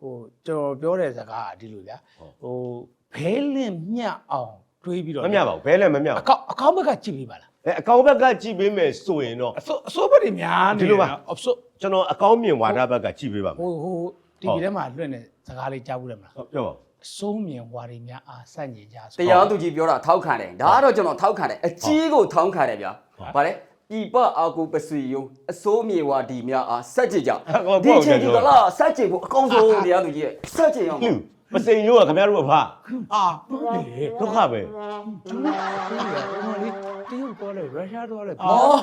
[SPEAKER 3] ဟိုကျွန်တော်ပြောတဲ့စကားကဒီလိုဗျာဟိုဘဲလင့်မြတ်အောင်တွေးပြီးတော့
[SPEAKER 1] မမြပါဘူးဘဲလည်းမမြပါ
[SPEAKER 3] အကောက်အကောက်ဘက်ကကြည့်ပြီးပါလား
[SPEAKER 1] အဲအကောင်ဘက်ကကြည့်ပေးမယ်ဆိုရင်တော့
[SPEAKER 3] အစိုးအစိုးဘက်တွေများနေအစိုး
[SPEAKER 1] ကျွန်တော်အကောင်မြင်ဝါဒဘက်ကကြည့်ပေးပါမယ်
[SPEAKER 3] ဟိုဟိုတီဗီထဲမှာလွှင့်တဲ့စကားလေးကြားဘူးတယ်မလား
[SPEAKER 1] ဟုတ်ပြောပါ
[SPEAKER 3] အစိုးမြင်ဝါရီများအားစန့်ကျင်ကြဆို
[SPEAKER 2] တရားသူကြီးပြောတာထောက်ခံတယ်ဒါကတော့ကျွန်တော်ထောက်ခံတယ်အကြီးကိုထောက်ခံတယ်ဗျာဗါလဲပြပအာကိုပစီယုံအစိုးမြေဝါဒီများအားစက်ကြကြဒီချိန်ဒီကလာစက်ကြဖို့အကောင်းဆုံးတရားသူကြီးရဲ့စက်ကြအောင်
[SPEAKER 1] လူမစိန်ရိုးကခင်ဗျားတို့အဖ
[SPEAKER 3] အာ
[SPEAKER 1] ဒုက္ခပဲ
[SPEAKER 3] တရုတ်ပေါ်လေရုရှားတော့လေ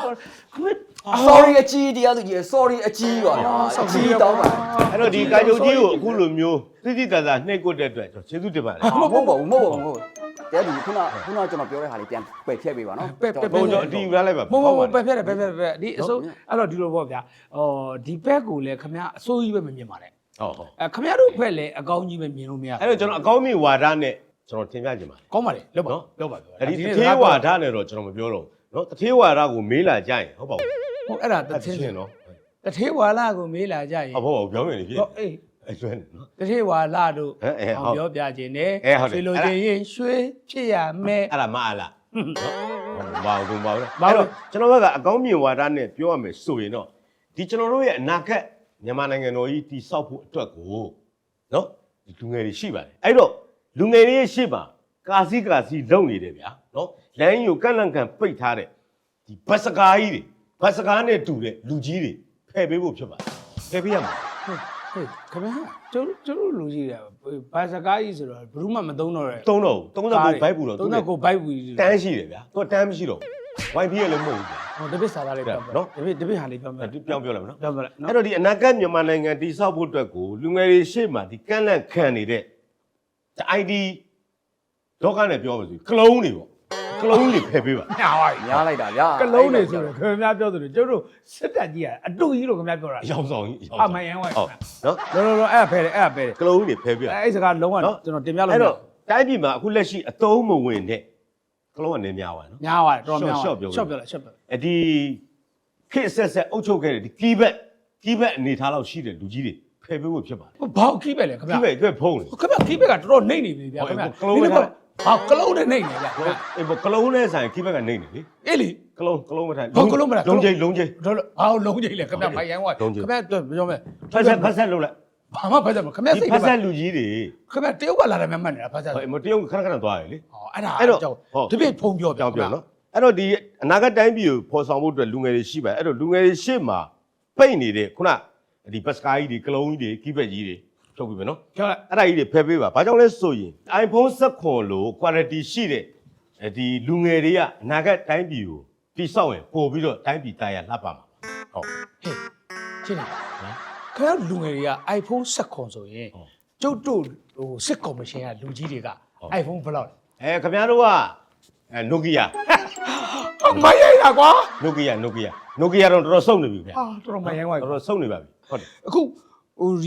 [SPEAKER 2] sorry အကြီးတရားသူကြီး sorry အကြီးပါဗျာအကြီးတောင်းပါ
[SPEAKER 1] အဲ့တော့ဒီကာယုတ်ကြီးကိုအခုလိုမျိုးသိသိသာသာနှိပ်ကွက်တဲ့အတွက်ကျွန်တော်ကျေးဇူးတင်ပါတယ်
[SPEAKER 2] မဟုတ်ပါဘူးမဟုတ်ပါဘူးမဟုတ်တရားသူကြီးခုနခုနကျွန်တော်ပြောတဲ့ဟာလေးပြန်ပယ်ဖြတ်ပေးပါနော်
[SPEAKER 3] ပဲ့ပဲ့
[SPEAKER 1] ဘုံကျွန်တော်အတီးယူလိုက်ပါ
[SPEAKER 3] မဟုတ်ဘူးပဲဖြတ်တယ်ပဲဖြတ်ပဲဒီအစိုးအဲ့တော့ဒီလိုပေါ့ဗျာဟောဒီဘက်ကိုလည်းခမရအစိုးကြီးပဲမမြင်ပါနဲ့
[SPEAKER 1] ဟုတ်ဟုတ်
[SPEAKER 3] အဲခမရတို့ဘက်လည်းအကောင်းကြီးပဲမြင်လို့မရ
[SPEAKER 1] အဲ့တော့ကျွန်တော်အကောင်းမြင်ဝါဒနဲ့ကျွန်တော်တင်ပြချင်ပါတယ်
[SPEAKER 3] ကောင်းပါလေလောက်ပါလောက်ပါပြော
[SPEAKER 1] အဲ့ဒီတထေးဝါဒနဲ့တော့ကျွန်တော်မပြောတော့ဘူးနော်တထေးဝါဒကိုမေးလာကြရင်ဟုတ်ပါဘူး
[SPEAKER 3] ဟုတ်အဲ့ဒါတ
[SPEAKER 1] အဲ့
[SPEAKER 3] ထင်း
[SPEAKER 1] ချင်းနော်
[SPEAKER 3] တထေးဝါလာကိုမေးလာကြရင်
[SPEAKER 1] ဟုတ်ပါဘူးပြောရင်လေဖြစ်
[SPEAKER 3] ဟုတ်အေး
[SPEAKER 1] အဲ့ကျွန်းနော်
[SPEAKER 3] တထေးဝါလာတို့
[SPEAKER 1] ဟဲ့ဟဲ့ဟုတ်
[SPEAKER 3] ပြောပြခြင်းနဲ့
[SPEAKER 1] အဲဟုတ်တယ်
[SPEAKER 3] ရွှေလိုချင်ရင်ရွှေဖြစ်ရမယ်
[SPEAKER 1] အဲ့ဒါမအားလားနော်ဘာလို့ဘာလို့
[SPEAKER 3] ဘာ
[SPEAKER 1] အဲ့
[SPEAKER 3] လို့
[SPEAKER 1] တော့ကျွန်တော်ဘက်ကအကောင်းမြင်ဝါဒနဲ့ပြောရမယ်ဆိုရင်တော့ဒီကျွန်တော်တို့ရဲ့အနာဂတ်မြန်မာနိုင်ငံတော်ကြီးတည်ဆောက်ဖို့အတွက်ကိုနော်ဒီလူငယ်တွေရှိပါတယ်အဲ့တော့လူငယ်တွေရဲ့ရှေ့မှာကာစီကာစီလုံနေတယ်ဗျာနော်လမ်းကြီးကိုကန့်လန့်ကန်ပိတ်ထားတဲ့ဒီဘတ်စကားကြီးတွေဘတ်စကားနဲ့တူတဲ့လူကြီးတွေဖယ်ပေးဖို့ဖြစ်ပါတယ်ဖယ်ပေးရမှာ
[SPEAKER 3] ဟေးခမရကျုပ်ကျုပ်လူကြီးတယ်ဘာစကားကြီးဆိုတော့ဘယ်သူမှမသုံးတော့ရဲ
[SPEAKER 1] သုံးတော့သုံးတော့ဘိုက်ပူတော့
[SPEAKER 3] သုံးတော့ကိုဘိုက်ပူ
[SPEAKER 1] တန်းရှိတယ်ဗျာသူကတန်းမရှိတော့ဝိုင်ပြီးရလည်းမဟုတ်ဘူးဗျာ
[SPEAKER 3] ဟိုတပည့်စာသားလေးပြောပြနော်တပည့်တပည့်ဟာလေးပြောပြ
[SPEAKER 1] ပြောင်းပြောလိုက်မနော်
[SPEAKER 3] ပြောပြလိုက်နော်
[SPEAKER 1] အဲ့တော့ဒီအနာဂတ်မြန်မာနိုင်ငံတည်ဆောက်ဖို့အတွက်ကိုလူငယ်တွေရှေ့မှာဒီကန့်လန့်ခံနေတဲ့ဒီ အိုင် ဒီ ဒေါကနဲ့ပြောပါစို့ကလုံးတွေပေါ့ကလုံးတွေဖယ်ပေးပါ
[SPEAKER 3] ညာပါပြီ
[SPEAKER 2] ညားလိုက်တာဗျာ
[SPEAKER 3] ကလုံးနေဆိုတော့ခင်ဗျားပြောသလိုကျုပ်တို့စစ်တပ်ကြီးကအတူကြီးလို့ခင်ဗျားပြောတာ
[SPEAKER 1] အယောင်ဆောင်ကြီးအယောင်
[SPEAKER 3] အမယန်ဝိုင်း
[SPEAKER 1] ဟုတ်နော်
[SPEAKER 3] လောလောလောအဲ့ဖဲတယ်အဲ့ဖဲတယ်
[SPEAKER 1] ကလုံးတွေဖယ်ပေးပါ
[SPEAKER 3] အဲ့အဲ့စကားလုံးဝကျွန်တော်တင်ပြလို့
[SPEAKER 1] အဲ့တော့တိုင်းပြည်မှာအခုလက်ရှိအသုံးမဝင်တဲ့ကလုံးကနေများပါနော်
[SPEAKER 3] ညားပါတယ်တော်များ
[SPEAKER 1] ရှော့ပြော
[SPEAKER 3] ရှော့ပြောလိုက်ရှော့ပြော
[SPEAKER 1] အဒီခေတ်ဆက်ဆက်အုပ်ချုပ်ခဲ့တဲ့ဒီကီးဘက်ကီးဘက်အနေထားလောက်ရှိတဲ့လူကြီးတွေဖယ်ပေးဖို့ဖြစ်ပါတယ်
[SPEAKER 3] ဘောက်ခီးပဲလေခင်
[SPEAKER 1] ကီး
[SPEAKER 3] ဗျာ
[SPEAKER 1] ဘက်အတွက်ဖုံးတယ်
[SPEAKER 3] ခင်ဗျာခီးဘက်ကတော်တော်နှိမ့်နေပြီဗျာခင်ဗျာဘောက်ကလုံးနဲ့နှိမ့်နေဗျာ
[SPEAKER 1] အေးဘကလုံးနဲ့ဆိုင်ကီးဘက်ကနေနေလေ
[SPEAKER 3] အေးလေ
[SPEAKER 1] ကလုံးကလုံးမထိုင်
[SPEAKER 3] ဘောက်ကလုံးမလား
[SPEAKER 1] လုံးကြီးလုံးကြီး
[SPEAKER 3] တော်တော်ဘာလုံးကြီးလေခင်ဗျာမိုင်ယန်ဝိုင်းခင်ဗျာပြောမယ်
[SPEAKER 1] ဖက်ဆက်ဖက်ဆက်လုပ်လိုက်
[SPEAKER 3] ဘာမှဖက်တယ်မခင်ဗျာ
[SPEAKER 1] ဒီ
[SPEAKER 3] စိတ်
[SPEAKER 1] ဖ
[SPEAKER 3] က
[SPEAKER 1] က်ဆက်လူကြီးတွေ
[SPEAKER 3] ခင်ဗျာတရုတ်ကလာတယ်မှတ်နေတာဖက်ဆက်
[SPEAKER 1] ဟိုမတရုတ်ခဏခဏသွားရလေ
[SPEAKER 3] ဟောအဲ့ဒါ
[SPEAKER 1] အဲ့တော့
[SPEAKER 3] ကြောင့်
[SPEAKER 1] ဟုတ်
[SPEAKER 3] တပည့်ဖုံပြော
[SPEAKER 1] ပြောင်းပြောင်းနော်အဲ့တော့ဒီအနာဂတ်တိုင်းပြည်ကိုဖော်ဆောင်ဖို့အတွက်လူငယ်တွေရှိပါတယ်အဲ့တော့လူငယ်တွေရှေ့မှာပိတ်နေတဲ့ခုနဒီဘတ်စကားကြီးတွေကလုံးကြီးတွေကီးဘက်ကြီးတွေထုတ်ပြီမယ်နော်
[SPEAKER 3] ပြောလိုက်
[SPEAKER 1] အဲ့ဒါကြီးတွေဖယ်ပေးပါဘာကြောင့်လဲဆိုရင် iPhone ဆက်ခွန်လို့ quality ရှိတဲ့ဒီလူငယ်တွေကအနာဂတ်တိုင်းပြည်ကိုတိဆောက်ရင်ပို့ပြီးတော့တိုင်းပြည်တိုင်းရလှပမှာဟုတ်
[SPEAKER 3] ဟေးရှင်းနေနော်ခင်ဗျာလူငယ်တွေက iPhone ဆက်ခွန်ဆိုရင်ကျုပ်တို့ဟိုစစ်ကော်မရှင်ကလူကြီးတွေက iPhone ဘယ်လောက်လဲ
[SPEAKER 1] အဲခင်ဗျားတို့ကအဲ Nokia
[SPEAKER 3] မရိုက်တာကွာ
[SPEAKER 1] Nokia Nokia Nokia တော့တော်တော်စုံနေပြီဗျာ
[SPEAKER 3] ဟာတော်တော်မယန်ဝိုင်း
[SPEAKER 1] တော်တော်စုံနေပါပြီဟုတ်တယ်
[SPEAKER 3] အခုဟိုဒီ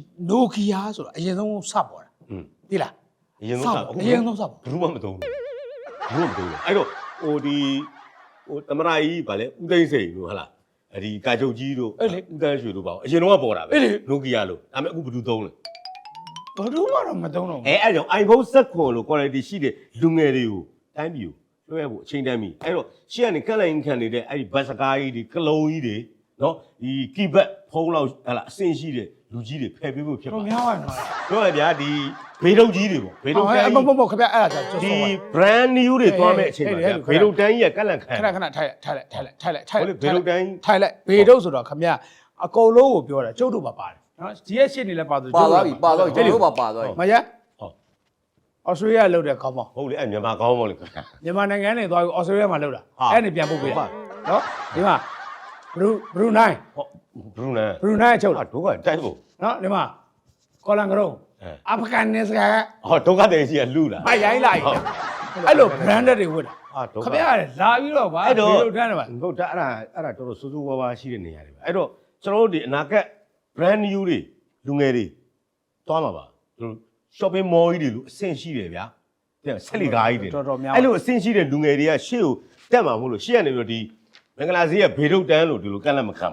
[SPEAKER 3] Nokia ဆိုတာအရင်ဆုံးစပေါ်တာ
[SPEAKER 1] อืม
[SPEAKER 3] သိလား
[SPEAKER 1] အရင်ဆုံးစ
[SPEAKER 3] အရင်ဆုံးစပေါ်
[SPEAKER 1] ဘူးမှမသုံးဘူးဘူးမသုံးဘူးအဲ့တော့ဟိုဒီဟိုသမရကြီးဗာလဲဦးသိန်းစိန်တို့ဟာလားဒီကာချုပ်ကြီးတို့ဦးတန်းရွှေတို့ပါအရင်တော့ပေါ်တာပဲ Nokia လို့ဒါပေမဲ့အခုဘယ်သူသုံးလဲ
[SPEAKER 3] ဘယ်သူမှတော့မသုံးတော့
[SPEAKER 1] အဲအဲ့ကြောင့် iPhone ဆက်ခွန်လို့ quality ရှိတဲ့လူငယ်တွေကိုတိုင်းပြည်ကိုလွှဲဖို့အချိန်တန်းပြီအဲ့တော့ရှေ့ကနေကန့်လိုက်ခံနေတဲ့အဲ့ဒီဘတ်စကားကြီးတွေကလုံးကြီးတွေနော်ဒီ keyboard ဖုန်းလောက်ဟလာအဆင့်ရှိတဲ့လူကြီးတွေဖယ်ပေးဖို့ဖြစ်
[SPEAKER 3] တော်
[SPEAKER 1] ပါ
[SPEAKER 3] များပါနော်
[SPEAKER 1] ပြောရဗျာဒီဘေးတုပ်ကြီးတွေပေါ့ဘေးတုပ်တန်း
[SPEAKER 3] မ
[SPEAKER 1] ကြီး
[SPEAKER 3] ဟုတ်မဟုတ်ခင်ဗျအဲ့ဒါကြောင့်
[SPEAKER 1] ဒီ brand new တွေသွားမဲ့အချိန်ပါဗျာဘေးတုပ်တန်းကြီးကကန့်လန့်ခံ
[SPEAKER 3] ခဏခဏထိုင်ထိုင်လိုက်ထိုင်လိုက်ထိုင်လိုက်ထိုင်
[SPEAKER 1] ဟုတ်လေဘေးတုပ်တန်းကြီး
[SPEAKER 3] ထိုင်လိုက်ဘေတုတ်ဆိုတော့ခင်ဗျအကုန်လုံးကိုပြောတာကျုပ်တို့ပါပါတယ်နော်ဒီရဲ့ရှစ်နေလဲပါဆို
[SPEAKER 2] ပါသွားပြီပါသွားပြီကျွန်တော်တို့ပါပါသွားပြီ
[SPEAKER 3] မရ
[SPEAKER 1] ဟုတ်
[SPEAKER 3] ဩစတြေးလျလောက်တဲ့ခေါင်းပေါင်း
[SPEAKER 1] ဟုတ်လေအဲ့မြန်မာကောင်းပါလေခင်ဗျာ
[SPEAKER 3] မြန်မာနိုင်ငံနဲ့သွားပြီးဩစတြေးလျမှာလောက်တာ
[SPEAKER 1] ဟာ
[SPEAKER 3] အဲ့နေပြန်ပုတ်ပေးတာ
[SPEAKER 1] ဟုတ်ပါ
[SPEAKER 3] နော်ဒီမှာဘရူဘရူနိုင်း
[SPEAKER 1] ဟုတ်ဘရူနန်
[SPEAKER 3] ဘရူနိုင်းအချုပ်
[SPEAKER 1] ဟာတို့ကတိုက်ဖို့
[SPEAKER 3] နော်ဒီမှာကော်လန်ကရုံ
[SPEAKER 1] အဲ
[SPEAKER 3] အာဖဂန်နစ္စကန်
[SPEAKER 1] ဟောဒုက္ခတဲ့ကြီးကလူလာ
[SPEAKER 3] မရိုင်းလိုက်အဲ့လို branded တွေဝတ်တာ
[SPEAKER 1] ဟာဒုက္ခ
[SPEAKER 3] ခင်ဗျလာပြီးတော့ဗာ
[SPEAKER 1] အဲ့တော့
[SPEAKER 3] ဘေတုတ်တန်းတယ်ဗာ
[SPEAKER 1] ဟုတ်ဒါအဲ့ဒါအဲ့ဒါတော်တော်စိုးစိုးဝါးဝါးရှိတဲ့နေရာတွေပဲအဲ့တော့ကျွန်တော်တို့ဒီအနာဂတ် brand new တွေလူငယ်တွေသွားမှာပါသူတို့ shopping mall ကြီးတွေလို့အဆင့်ရှိတယ်ဗျာတဲ့ဆက်လီကားကြီးတွေ
[SPEAKER 3] တော်တော်များ
[SPEAKER 1] အဲ့လိုအဆင့်ရှိတဲ့လူငယ်တွေကရှေ့ကိုတက်မှာမဟုတ်လို့ရှေ့ကနေပြီးတော့ဒီမင်္ဂလာဈေးကဘေတုတ်တန်းလို့ဒီလိုကန့်လန့်မခံပါနဲ့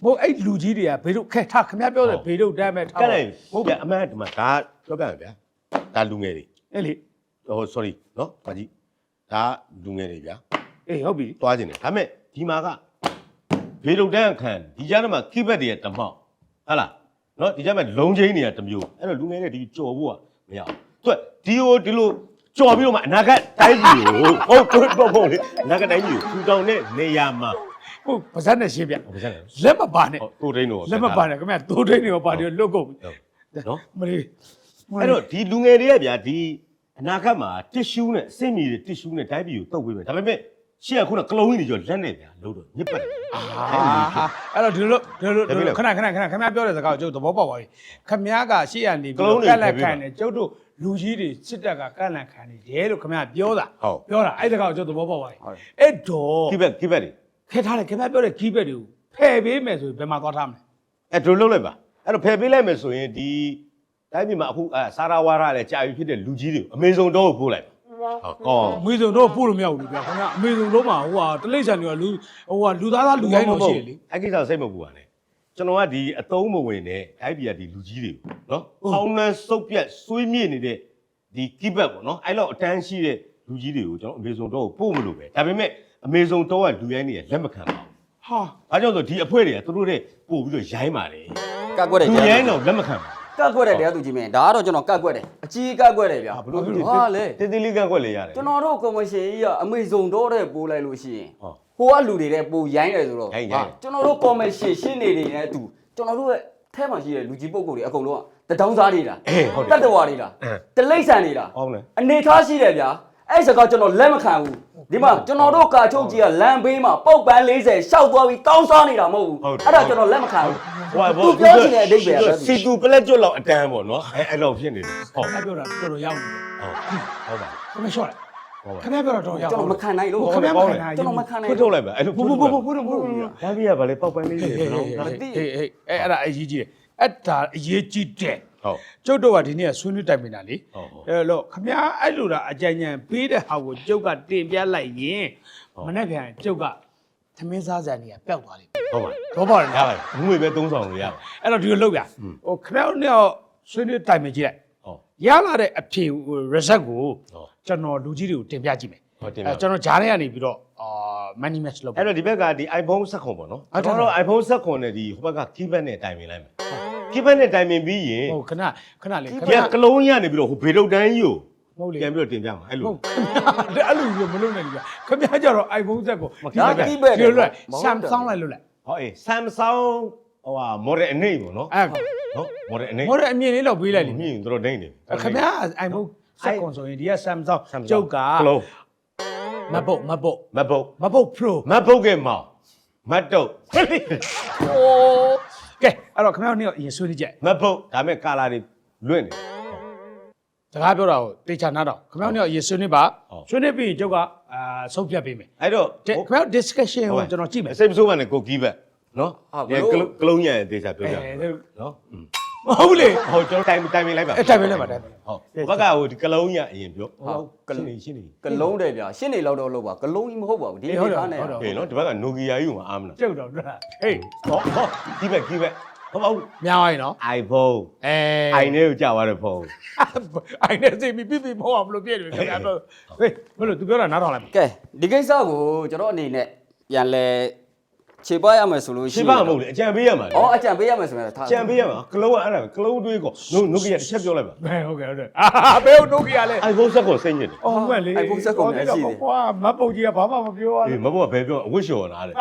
[SPEAKER 3] ဟိုအဲ့လူကြီးတွေကဘေးတို့ခက်ထားခင်ဗျားပြောတယ်ဘေးတို့တမ်းမဲ့ထား
[SPEAKER 1] ကဲလိုက်ဟုတ်ဗျာအမှန်ဒီမှာဒါပြောပြမယ်ဗျာဒါလူငယ်တွေ
[SPEAKER 3] အဲ့လေ
[SPEAKER 1] ဟို sorry နော်ဘာကြီးဒါလူငယ်တွေဗျာ
[SPEAKER 3] အေးဟုတ်ပြီ
[SPEAKER 1] သွားခြင်းတယ်ဒါပေမဲ့ဒီမှာကဘေလုတ်တန်းအခန်းဒီကြားထဲမှာခိဘက်တွေကတမောက်ဟုတ်လားနော်ဒီကြားမှာလုံချင်းတွေကတစ်မျိုးအဲ့တော့လူငယ်တွေဒီကြော်ဖို့ကမရအောင်သူကဒီဟိုဒီလိုကြော်ပြီးတော့မှအနာဂတ်တိုင်းပြည်ကိုဟုတ်တော့ပေါ့လေအနာဂတ်တိုင်းပြည်ကိုထူထောင်တဲ့နေရာမှာ
[SPEAKER 3] ဟုတ်ပါဇက်နဲ့ရှင်းပြ
[SPEAKER 1] ဟုတ်ကဲ့
[SPEAKER 3] လက်မပါနဲ့
[SPEAKER 1] ဟုတ်တိုးဒိန်းတော့
[SPEAKER 3] လက်မပါနဲ့ခင်ဗျာတိုးထိန်တွေပါတွေလွတ်ကုန်ပြီ
[SPEAKER 1] နော်
[SPEAKER 3] မလေး
[SPEAKER 1] အဲ့တော့ဒီလူငယ်တွေကဗျာဒီအနာဂတ်မှာတစ်ရှူးနဲ့အစင်မီတွေတစ်ရှူးနဲ့တိုင်းပြည်ကိုတုတ်ပေးမယ်ဒါပေမဲ့ရှေ့ကခုနကလုံးကြီးတွေကျော်လက်နဲ့ဗျာလို့တော့ညစ်ပတ်တယ်
[SPEAKER 3] အာအဲ့တော့ဒီလိုဒီလိုခဏခဏခဏခင်ဗျားပြောတဲ့စကားကိုကျုပ်သဘောပေါက်ပါပြီခင်ဗျားကရှေ့ကနေပြီးကက်လက်ခံတယ်ကျုပ်တို့လူကြီးတွေစစ်တပ်ကကက်လက်ခံနေတယ်လို့ခင်ဗျားပြောတာပြောတာအဲ့စကားကိုကျုပ်သဘောပေါက်ပါပြီအဲ့တော့
[SPEAKER 1] ခိဘက်ခိဘက်တွေ
[SPEAKER 3] ခဲထားတယ်ခင်ဗျားပြောတဲ့ကြီးဘက်တွေကိုဖယ်ပေးမယ်ဆိုရင်ဘယ်မှာသွားထားမလဲ
[SPEAKER 1] အဲ့ဒိုလုံးလိုက်ပါအဲ့တော့ဖယ်ပေးလိုက်မယ်ဆိုရင်ဒီတိုင်းပြည်မှာအခုအဲစာရာဝါရလည်းကြာပြီဖြစ်တဲ့လူကြီးတွေအမေဇုံတော့ကိုပို့လိုက်ဟုတ်ကောင်း
[SPEAKER 3] အမေဇုံတော့ပို့လို့မရဘူးလေဗျာခင်ဗျာအမေဇုံတော့မှာဟိုဟာတလိษံတွေကလူဟိုဟာလူသားသားလူရိုင်းတော့ရှိတယ်လေ
[SPEAKER 1] အဲ့ကိစ္စစိတ်မပူပါနဲ့ကျွန်တော်ကဒီအတုံးမဝင်နဲ့တိုင်းပြည်ကဒီလူကြီးတွေနော်အောင်းနှန်းစုပ်ပြက်ဆွေးမြေ့နေတဲ့ဒီကိဘက်ပေါ့နော်အဲ့လောက်အတန်းရှိတဲ့လူကြီးတွေကိုကျွန်တော်အမေဇုံတော့ကိုပို့မလို့ပဲဒါပေမဲ့အမေဇုံတော့ကလူရိုင်းတွေကလက်မခံပါဘူး
[SPEAKER 3] ဟာ
[SPEAKER 1] ။အားကြောင့်ဆိုဒီအဖွဲတွေကသူတို့တဲ့ပို့ပြီးတော့ရိုင်းပါတယ်
[SPEAKER 2] ကတ်ကွက်တယ်
[SPEAKER 1] ။လူ
[SPEAKER 2] ကြာ
[SPEAKER 1] ရိုင်းတော့လက်မခံပါ
[SPEAKER 2] ကတ်ကွက်တယ်တရားသူကြီးမင်းဒါကတော့ကျွန်တော်ကတ်ကွက်တယ်အကြီးကတ်ကွက်တယ်ဗျာ
[SPEAKER 1] ။ဘလို့
[SPEAKER 2] ဟာလေ
[SPEAKER 1] တေးသေးလေးကကွက်လေရတယ်
[SPEAKER 2] ကျွန်တော်တို့ကော်မရှင်ကြီးကအမေဇုံတော့တဲ့ပိုးလိုက်လို့ရှိရင်
[SPEAKER 1] ။ဟော
[SPEAKER 2] ဟိုကလူတွေတဲ့ပိုရိုင်းတယ်ဆိုတော့
[SPEAKER 1] ရိုင်းရိုင်း
[SPEAKER 2] ကျွန်တော်တို့ကော်မရှင်ရှင်းနေနေတဲ့အတူကျွန်တော်တို့ရဲ့ထဲမှာရှိတဲ့လူကြီးပုဂ္ဂိုလ်တွေအကုန်လုံးကတတောင်းစားနေတာ
[SPEAKER 1] အေးဟုတ်
[SPEAKER 2] တ
[SPEAKER 1] တယ်
[SPEAKER 2] တ္တဝါတွေလား
[SPEAKER 1] အင်း
[SPEAKER 2] တလိမ့်ဆန်နေတာ
[SPEAKER 1] ။ဟောင်းလေ
[SPEAKER 2] အနေထားရှိတယ်ဗျာအဲ့စကားကျွန်တော်လက်မခံဘူးဒီမှာကျွန်တော်တို့ကာချုပ်ကြီးကလမ်းဘေးမှာပုတ်ပန်းလေးဆယ်ရှောက်သွားပြီးတောင်းစားနေတာမဟုတ်ဘူးအဲ့ဒါကျွန်တော်လက်မခံဘူး
[SPEAKER 1] ။ဟို
[SPEAKER 2] သူပြောချင်တဲ့အဓိပ္ပာယ်က
[SPEAKER 1] စီတူပလက်ကျွတ်လောက်အတန်းပေါ့နော်။အဲအဲ့လောက်ဖြစ်နေတယ်။ဟော
[SPEAKER 3] အဲ့ပြောတာတော်တော်ရောက်နေတယ်
[SPEAKER 1] ဟုတ်ပါ
[SPEAKER 3] ခင်ဗျာရှော့လိုက်
[SPEAKER 1] ဟုတ်ပါ
[SPEAKER 3] ခင်ဗျာပြောတာတော်ရောက်
[SPEAKER 2] ကျွန်တော်မခံနိုင်လို့
[SPEAKER 3] ခင်ဗျာမခံနိုင်
[SPEAKER 2] ကျွန်တော်မခံနိုင်
[SPEAKER 1] ဖွင့်ထုတ်လိုက်ပါအဲ့လို
[SPEAKER 3] ဘူးဘူးဘူးဘူးဘူးဘူး
[SPEAKER 1] ဒါပြရပါလေပောက်ပန်းလေးတွေ
[SPEAKER 3] ဟေး
[SPEAKER 1] ဘယ်
[SPEAKER 3] ဟေး
[SPEAKER 1] တော့
[SPEAKER 3] ဟေးဟေးဟေးအဲ့အဲ့ဒါအရေးကြီးတယ်အဲ့ဒါအရေးကြီးတယ်
[SPEAKER 1] ဟုတ်
[SPEAKER 3] ကျုပ်တို့ကဒီနေ့ဆွေးနွေးတိုင်ပင်တာလေ
[SPEAKER 1] ဟုတ်ဟုတ်
[SPEAKER 3] အဲ့တော့ခင်ဗျာအဲ့လိုတာအကြံဉာဏ်ပေးတဲ့ဟာကိုကျုပ်ကတင်ပြလိုက်ရင်မနေ့ပြန်ကျုပ်ကသမင်းစားစံကြီးကပျောက်သွားလိမ့်မယ်
[SPEAKER 1] ဟုတ်ပါ
[SPEAKER 3] တော့ပါတယ်
[SPEAKER 1] ရပါဘူးငွေပဲသုံးဆောင်လို့ရပါ
[SPEAKER 3] အဲ့တော့ဒီလိုလုပ်ပြဟိုခင်ဗျားတို့ဆွေးနွေးတိုင်ပင်ကြည့်လိုက်
[SPEAKER 1] ဟုတ်
[SPEAKER 3] ရလာတဲ့အဖြေ result ကို
[SPEAKER 1] ဟုတ်
[SPEAKER 3] ကျွန်တော်လူကြီးတွေကိုတင်ပြကြည့်မယ်
[SPEAKER 1] ဟုတ်တင်ပါ
[SPEAKER 3] အဲကျွန်တော်ဂျားထဲကနေပြီးတော့အာ money match လုပ်
[SPEAKER 1] အဲ့တော့ဒီဘက်ကဒီ iPhone ဆက်ခွန်ပေါ့နော်
[SPEAKER 3] ဟုတ်တယ်
[SPEAKER 1] ကျွန်တော်တို့ iPhone ဆက်ခွန်နဲ့ဒီဟိုဘက်က keypad နဲ့တိုင်ပင်လိုက်မယ် keypad နဲ့တိုင်ပင်ပြီးရင်
[SPEAKER 3] ဟုတ်ခဏခဏလေးခဏ
[SPEAKER 1] ဒီကကလုံးရနေပြီးတော့ဟိုဘေဒုတ်တန်းကြီးကို
[SPEAKER 3] ဟုတ်လေ
[SPEAKER 1] ပြန်ပြီးတော့တင်ပြမှာအဲ့လို
[SPEAKER 3] ဟုတ်အဲ့လိုမျိုးမလုပ်နိုင်ဘူးဗျခင်ဗျားကြတော့ iPhone ဆက်ကို
[SPEAKER 2] ဒါတိပဲ
[SPEAKER 3] ဒီလိုလွတ် Samsung လိုက်လွတ်လိုက်
[SPEAKER 1] ဟောအေး Samsung ဟိုဟာ model အနေပေါ့နော်
[SPEAKER 3] အဲ
[SPEAKER 1] နော် model အနေ
[SPEAKER 3] ဟိုတဲ့အမြင်လေးတော့ပေးလိုက်လေ
[SPEAKER 1] မြင်တို့ဒိမ့်နေ
[SPEAKER 3] ခင်ဗျား iPhone ဆက်ကွန်ဆိုရင်ဒီက Samsung ကျုပ်က
[SPEAKER 1] ကလုံး
[SPEAKER 3] MacBook MacBook
[SPEAKER 1] MacBook
[SPEAKER 3] MacBook Pro
[SPEAKER 1] MacBook ကမောင် MacBook
[SPEAKER 3] ဟိုကဲအဲ့တော့ခင်ဗျားတို့အရင်ဆွေးနွေးကြ
[SPEAKER 1] MacBook ဒါမဲ့ color တွေလွင့်နေ
[SPEAKER 3] စကားပြောတာကိုတေချာနားတော့ခင်ဗျားတို့အရင်ဆွေးနွေးပါ
[SPEAKER 1] ဟုတ်
[SPEAKER 3] ဆွေးနွေးပြီးရင်ကျုပ်ကအာဆုံးဖြတ်ပေးမယ်
[SPEAKER 1] အဲ့တော့
[SPEAKER 3] တဲ့ခင်ဗျားတို့ discussion ကိုကျွန်တော်ကြည့်မယ်
[SPEAKER 1] စိတ်မဆိုးပါနဲ့ကို keypad နော်ဒီကလုံးရရင်တေချာပြောပြနော်
[SPEAKER 3] မဟုတ်လေ
[SPEAKER 1] ဟုတ်ကျွန်တော်တိုင်တိုင်ပင်လိုက်ပါ
[SPEAKER 3] အဲ့တိုင်ပင်လိုက်ပါတိုင်ပင်
[SPEAKER 1] ဟုတ်ဘက်ကဟိုဒီကလုံးရအရင်ပြောဟုတ်ကလုံးရှင်းနေ
[SPEAKER 2] ကလုံးတယ်ဗျာရှင်းနေလောက်တော့လို့ပါကလုံးကြီးမဟုတ်ပါဘူးဒီအနေထားနဲ့
[SPEAKER 3] ဟုတ်တော့
[SPEAKER 1] ဟေးနော်ဒီဘက်က Nokia ကြီးကိုမအားမလား
[SPEAKER 3] ကျုပ်တော့ဟေး
[SPEAKER 1] ဟောဟော keypad keypad ဟုတ်ပါဘူး
[SPEAKER 3] များပါရင်နော်
[SPEAKER 1] iPhone
[SPEAKER 3] အဲ
[SPEAKER 1] အိုင်နဲ့ကိုကြာသွားတဲ့ဖုန်း
[SPEAKER 3] အိုင်နဲ့စိတ်ပြီးပြပြမဟုတ်အောင်ဘလို့ပြည့်တယ်ခင်ဗျာတော့ဟေးဘလို့ तू ပြောတာနားထောင်လိုက်ပါ
[SPEAKER 2] ကဲဒီကိစ္စကိုကျွန်တော်အနေနဲ့ပြန်လဲခြေပွားရမယ်ဆိုလို့ရှိ
[SPEAKER 1] ရှ
[SPEAKER 2] ရင်
[SPEAKER 1] င်းပါမဟုတ်လေအကြံပေးရမှာလေ
[SPEAKER 2] ဩအကြံပေးရမယ်ဆိုရင်ထား
[SPEAKER 1] အကြံပေးရမှာကလုံးကအဲ့ဒါကလုံးတွေးကောနိုနိုကီယာတစ်ချက်ပြောလိုက်ပါ
[SPEAKER 3] ဘယ်ဟုတ်ကဲ့ဟုတ်တယ်အာဘယ်ဟုတ် Nokia လဲ
[SPEAKER 1] iPhone ဆက်ကိုစိတ်ညစ်တယ်
[SPEAKER 3] အော်မှန်လေ
[SPEAKER 2] iPhone ဆက်ကုန်နေရှိတယ်
[SPEAKER 3] ကွာမတ်ပုတ်ကြီးကဘာမှမပြောရ
[SPEAKER 1] အေး
[SPEAKER 3] ဘူး
[SPEAKER 1] မဘောကဘယ်ပြောအဝတ်လျှော်နာတဲ့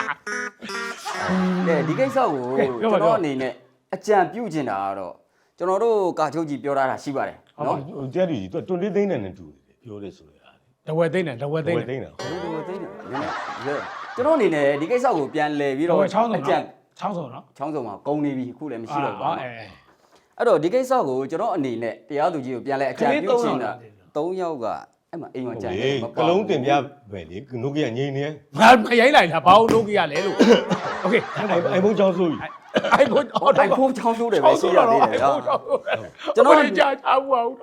[SPEAKER 2] ကဲဒီကိစ္စကိုကျွန်တော်အနေနဲ့အကြံပြုချင်တာကတော့ကျွန်တော်တို့ကာချုပ်ကြီးပြောထားတာရှိပါတယ်
[SPEAKER 1] နော်
[SPEAKER 2] နော်
[SPEAKER 1] တရားသူကြီးသူတွန်လေးသိန်းနဲ့တူတယ်ပြောတယ်ဆိုရတာ
[SPEAKER 3] တဝက်သိန်းတယ်တဝက်သိန်းတယ်
[SPEAKER 1] သိန်းတာ
[SPEAKER 2] ဘယ်လိုသိနေလဲကျွန်တော်အနေနဲ့ဒီကိစ္စကိုပြန်လဲပြီး
[SPEAKER 3] တ
[SPEAKER 2] တော့
[SPEAKER 3] ဝက်ချောင်းစုံ
[SPEAKER 2] အကြံ
[SPEAKER 3] ချောင်းစုံနော်
[SPEAKER 2] ချောင်းစုံမှာကုန်နေပြီအခုလည်းမရှိတော့ဘူး
[SPEAKER 3] အဲ
[SPEAKER 2] အဲ့တော့ဒီကိစ္စကိုကျွန်တော်အနေနဲ့တရားသူကြီးကိုပြန်လဲအကြံပြုချင်တာ၃ယောက်ကအဲ့မှာအိမ်မှာကြံနေ
[SPEAKER 1] ကလုံးတင်ပြပဲလေနိုကီယာငိမ့်နေ
[SPEAKER 3] ငါမရိုင်းလိုက်တာဘာလို့ Nokia လဲလို့โอเค
[SPEAKER 1] iPhone ကြောင်းဆိုပြီ
[SPEAKER 3] iPhone
[SPEAKER 2] အိုင်ဖုန်းချောင်းဆိုးတယ်ပဲရှိရသေးတယ်ဟာ
[SPEAKER 3] ကျွန်တော်ကြာချာဘူးအောင်တော့
[SPEAKER 2] ဟ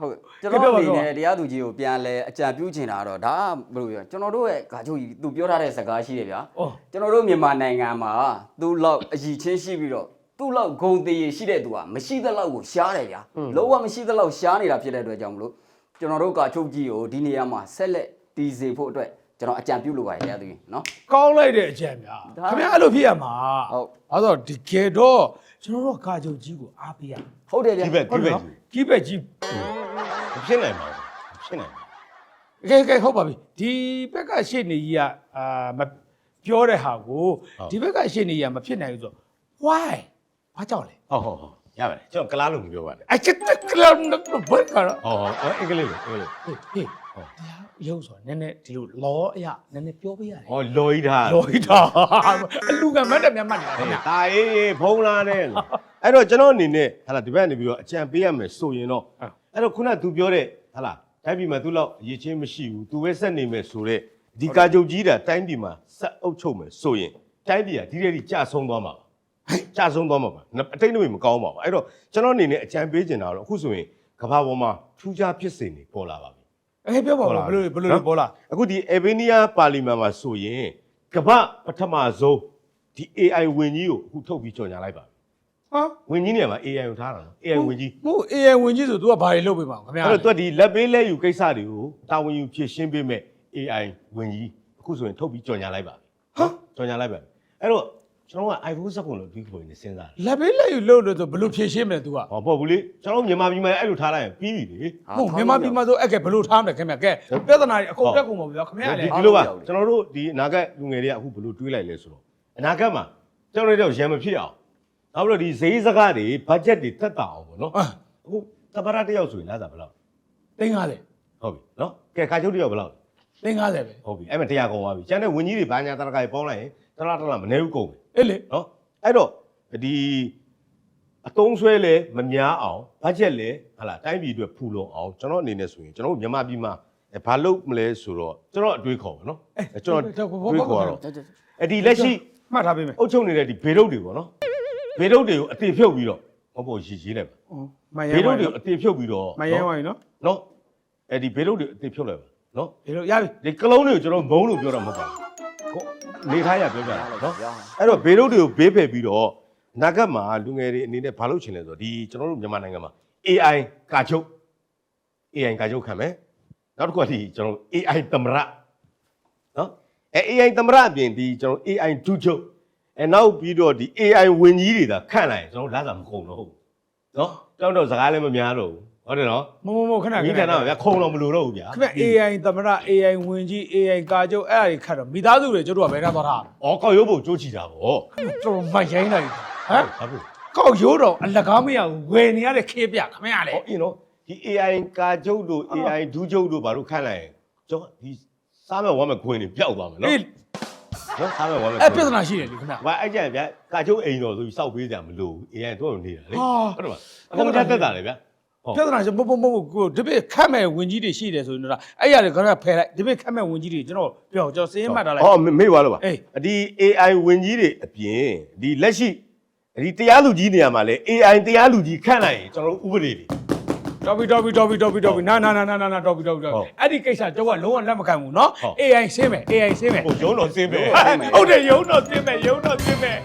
[SPEAKER 2] ဟုတ်ကျွန်တော်အနေနဲ့တရားသူကြီးကိုပြန်လဲအကြံပြုချင်တာတော့ဒါဘယ်လိုပြောကျွန်တော်တို့ရဲ့ဂါချုပ်ကြီးသူပြောထားတဲ့စကားရှိတယ်ဗျာကျွန်တော်တို့မြန်မာနိုင်ငံမှာသူ့လောက်အည်ချင်းရှိပြီးတော့သူ့လောက်ဂုံသေးရရှိတဲ့သူကမရှိသလောက်ကိုရှားတယ်ဗျာလုံးဝမရှိသလောက်ရှားနေတာဖြစ်တဲ့အတွက်ကြောင့်မလို့ကျွန်တော်တို့ဂါချုပ်ကြီးကိုဒီနေရာမှာဆက်လက်တည်စေဖို့အတွက်ကျွန်တော်အကြံပြုလိုပါတယ်တရားသူကြီးနော်
[SPEAKER 3] ကောင်းလိုက်တဲ့အကြံများခင်ဗျာအဲ့လိုဖြစ်ရမှာဟုတ်အဲ့တော့ဒီကေတော့ကျွန်တော်တို့ဂါချုပ်ကြီးကိုအားပေးရ
[SPEAKER 2] ဟုတ်တယ်ဗျာ
[SPEAKER 1] ဒီဘက်ဒီဘက်
[SPEAKER 3] ကြီးဘက်ကြီး
[SPEAKER 1] ဖြစ်နိုင်ပါဘူးဖြစ်နိုင်ပါ
[SPEAKER 3] ကဲကဲဟုတ်ပါပြီဒီဘက်ကရှေ့နေကြီးကအာမပြောတဲ့ဟာကိုဒီဘက်ကရှေ့နေကြီးကမဖြစ်နိုင်ဘူးဆို why ဘာကြောင့်လဲ
[SPEAKER 1] ဟုတ်ဟုတ်ဟုတ်ရပါတယ်ကျွန်တော်ကလားလို့မပြောပါနဲ့
[SPEAKER 3] အချစ်ကလားတော့ဘယ်ကတော့
[SPEAKER 1] ဟုတ်ဟုတ်အင်္ဂလိပ်လို့အင်္ဂလိပ်
[SPEAKER 3] ဟေးဟေးဟုတ်တရားရုပ်ဆိုနည်းနည်းဒီလိုလောအရာနည်းနည်းပြောပေးရတယ်
[SPEAKER 1] ဟောလော်ကြီးထား
[SPEAKER 3] လော်ကြီးထားအလူကမတ်တယ်မြတ်မှတ်တယ်
[SPEAKER 1] ခင်ဗျာတာအေးဖုံးလာတယ်အဲ့တော့ကျွန်တော်အနေနဲ့ဟာလာဒီဘက်နေပြီးတော့အကြံပေးရမယ်ဆိုရင်တော့အဲ့တော့ခုနက तू ပြောတဲ့ဟာလာတိုင်းပြည်မှာ तू လောက်အရေးချင်းမရှိဘူး तू ပဲဆက်နေမယ်ဆိုတော့ဒီကာချုပ်ကြီးတာတိုင်းပြည်မှာဆက်အုပ်ချုပ်မယ်ဆိုရင်တိုင်းပြည်ကဒီတဲ့ဒီကြဆုံးသွားမှာပါကြဆုံးသွားမှာပါအတိတ်တွေမကောင်းပါဘူးအဲ့တော့ကျွန်တော်အနေနဲ့အကြံပေးချင်တာတော့အခုဆိုရင်ကမ္ဘာပေါ်မှာထူးခြားဖြစ်စဉ်တွေပေါ်လာပါပြီ
[SPEAKER 3] အေးပြောပါဦးဘယ်လိုဘယ်လိုပေါ်လာ
[SPEAKER 1] အခုဒီအေဗီနီးယားပါလီမန်မှာဆိုရင်ကမ္ဘာပထမဆုံးဒီ အေ အိုင် ဝင်ကြီးကိုအခုထုတ်ပြီးကြော်ညာလိုက်ပါ
[SPEAKER 3] ဟာ
[SPEAKER 1] ဝင်ကြီးနေရာမှာ အေ အိုင် ကိုထားတာနော် အေ အိုင် ဝင်ကြီး
[SPEAKER 3] မဟုတ် အေ အိုင် ဝင်ကြီးဆို तू ကဘာတွေလုပ်ပေးမှာခင်ဗျာ
[SPEAKER 1] အဲ့တော့ तू ဒီလက်ပေးလက်ယူကိစ္စတွေကိုတာဝန်ယူဖြည့်ရှင်းပေးမဲ့ အေ အိုင် ဝင်ကြီးအခုဆိုရင်ထုတ်ပြီးကြော်ညာလိုက်ပါ
[SPEAKER 3] ဟာ
[SPEAKER 1] ကြော်ညာလိုက်ပါအဲ့တော့ကျွန်တော်က iPhone ဆက်ကုန်လို့ဒီကိုနေစဉ်းစား
[SPEAKER 3] လက်ပေးလက်ယူလို့လို့ဆိုဘယ်လိုဖြည့်ရှင်းမလဲ तू က
[SPEAKER 1] ဟောပေါ့ဘူးလေကျွန်တော်မြန်မာပြည်မှာအဲ့လိုထားလိုက်ရင်ပြီးပြီလေ
[SPEAKER 3] ဟုတ်မြန်မာပြည်မှာဆိုအဲ့ကဲဘယ်လိုထားမလဲခင်ဗျာကဲပြဿနာတွေအကုန်တက်ကုန်ပါဗျာခင်ဗျာလေ
[SPEAKER 1] ဒီလိုပါကျွန်တော်တို့ဒီအနာဂတ်လူငယ်တွေကအခုဘယ်လိုတွေးလိုက်လဲဆိုတော့အနာဂတ်မှာကျွန်တော်တို့ရံမဖြစ်အောင်နောက်ပြီးတော့ဒီဈေးစကားတွေဘတ်ဂျက်တွေတက်တာအောင်ပေါ့နော်အခုတပရတယောက်ဆိုရင်လားသာဘယ်လောက်
[SPEAKER 3] သိန်း50
[SPEAKER 1] ဟုတ်ပြီနော်ကဲခါချုပ်တယောက်ဘယ်လောက်
[SPEAKER 3] သိန်း50ပဲ
[SPEAKER 1] ဟုတ်ပြီအဲ့မှာတရားကုန်သွားပြီကျန်တဲ့ဝင်ကြီးတွေဘာညာတရကတွေပေါင်းလိုက်ရင်တလားတလားမနေဘူးကုန်ပြီ
[SPEAKER 3] အေးလေ
[SPEAKER 1] နော်အဲ့တော့ဒီအတုံးဆွဲလဲမများအောင်ဘတ်ဂျက်လဲဟာလာတိုင်းပြည်အတွက်ဖူလုံအောင်ကျွန်တော်အနေနဲ့ဆိုရင်ကျွန်တော်မြန်မာပြည်မှာဘာလုပ်မလဲဆိုတော့ကျွန်တော်အတွေးခေါ်ပါနော်
[SPEAKER 3] အဲကျွန်တော်
[SPEAKER 1] တွေးခေါ်တော့အဲ့ဒီလက်ရှိ
[SPEAKER 3] မှတ်ထားပေးမယ်
[SPEAKER 1] အုပ်ချုပ်နေတဲ့ဒီဘေရုပ်တွေပေါ့နော်ဘေရုပ်တွေကိုအတေဖြုတ်ပြီးတော့ဟောပေါ်ရေးရေးလိုက်ပါဘေရုပ်တွေကိုအတေဖြုတ်ပြီးတော့
[SPEAKER 3] မရဲဝိုင်းနော်
[SPEAKER 1] နော်အဲ့ဒီဘေရုပ်တွေအတေဖြုတ်လိုက်ပါနော်
[SPEAKER 3] ဘေရုပ်ရပြီ
[SPEAKER 1] ဒီကလုံးတွေကိုကျွန်တော်မုံလို့ပြောတာမဟုတ်ပါဘူးနေထားရပြောကြတာနော်အဲ့တော့ဘေရုပ်တွေကိုဘေးဖယ်ပြီးတော့နာဂတ်မှာလူငယ်တွေအနေနဲ့ဘာလုပ်ချင်လဲဆိုတော့ဒီကျွန်တော်တို့မြန်မာနိုင်ငံမှာ အေ အိုင် ကာချုပ် အေ အိုင် ကာချုပ်ခံမယ်နောက်တစ်ခုကဒီကျွန်တော် အေ အိုင် သမရနော်အဲ အေ အိုင် သမရအပြင်ဒီကျွန်တော် အေ အိုင် ဒုချုပ်အဲနောက်ပြီးတော့ဒီ အေ အိုင် ဝင်ကြီးတွေသာခန့်လိုက်ကျွန်တော်လာတာမကုန်တော့ဘူးနော်တောင်းတော့စကားလည်းမများတော့ဘူးဟုတ်တယ်နော်
[SPEAKER 3] မမမခဏခဏ
[SPEAKER 1] ဒီကဏ္ဍမှာဗျာခုံတော့မလို့တော့ဘူးဗျာ
[SPEAKER 3] ခင်ဗျ အေ အိုင် သမရ အေ အိုင် ဝင်ကြီး အေ အိုင် ကာချုပ်အဲ့အရာတွေခတ်တော့မိသားစုတွေကျတို့ကဘယ်ထားသွားတာ
[SPEAKER 1] ဩကောက်ရုပ်ဖို့ကြိုးချီတာဗော
[SPEAKER 3] ကျွန်တော်မရိုင်းလိုက်ဟမ်ဘာဖြစ်ကောက်ရိုးတော့အလကားမရဘူးဝယ်နေရတဲ့ခေးပြခင်ဗျာလေ
[SPEAKER 1] ဟောအင်းနော်ဒီ အေ အိုင် ကာချုပ်တို့ အေ အိုင် ဒုချုပ်တို့ဘာလို့ခန့်လိုက်ရင်ကျွန်တော်ဒီစားမဲ့ဝမ်းမဲ့ခွင်းတွေပျောက်သွားမယ်နော်နော်စားမဲ့ဝမ်းမဲ့
[SPEAKER 3] အဲ့ပြဿနာရှိတယ်လေခင်ဗျာ
[SPEAKER 1] ဘာအဲ့ကြံဗျာကာချုပ်အိမ်တော်ဆိုပြီးစောက်ပေးကြမလို့ အေ အိုင် တို့နေတာလေဟုတ်တယ်မအကုန်တက်တက်တာလေဗျာ
[SPEAKER 3] ပြဿနာရှင်မမမကိုဒီပိခတ်မဲ့ဝင်ကြီးတွေရှိတယ်ဆိုရင်တော့အဲ့ရတွေကတော့ဖယ်လိုက်ဒီပိခတ်မဲ့ဝင်ကြီးတွေကျွန်တော်ပြောကျွန်တော်စင်းမှတ်ထားလိုက်
[SPEAKER 1] ဟောမေ့သွားလို့ပါဒီ အေ အိုင် ဝင်ကြီးတွေအပြင်ဒီလက်ရှိဒီတရားလူကြီးနေရာမှာလေ အေ အိုင် တရားလူကြီးခန့်လိုက်ရင်ကျွန်တော်တို့ဥပဒေတွေ
[SPEAKER 3] တော်ပြီတော်ပြီတော်ပြီတော်ပြီတော်ပြီနာနာနာနာနာတော်ပြီတော်ပြီတော်ပြီအဲ့ဒီကိစ္စကျွန်တော်ကလုံးဝလက်မခံဘူးเนาะ အေ အိုင် ဆင်းမယ် အေ အိုင် ဆင်းမယ်
[SPEAKER 1] ဟိုရုံးတော်ဆင်းမယ်
[SPEAKER 3] ဟုတ်တယ်ရုံးတော်ဆင်းမယ်ရုံးတော်ဆင်းမယ်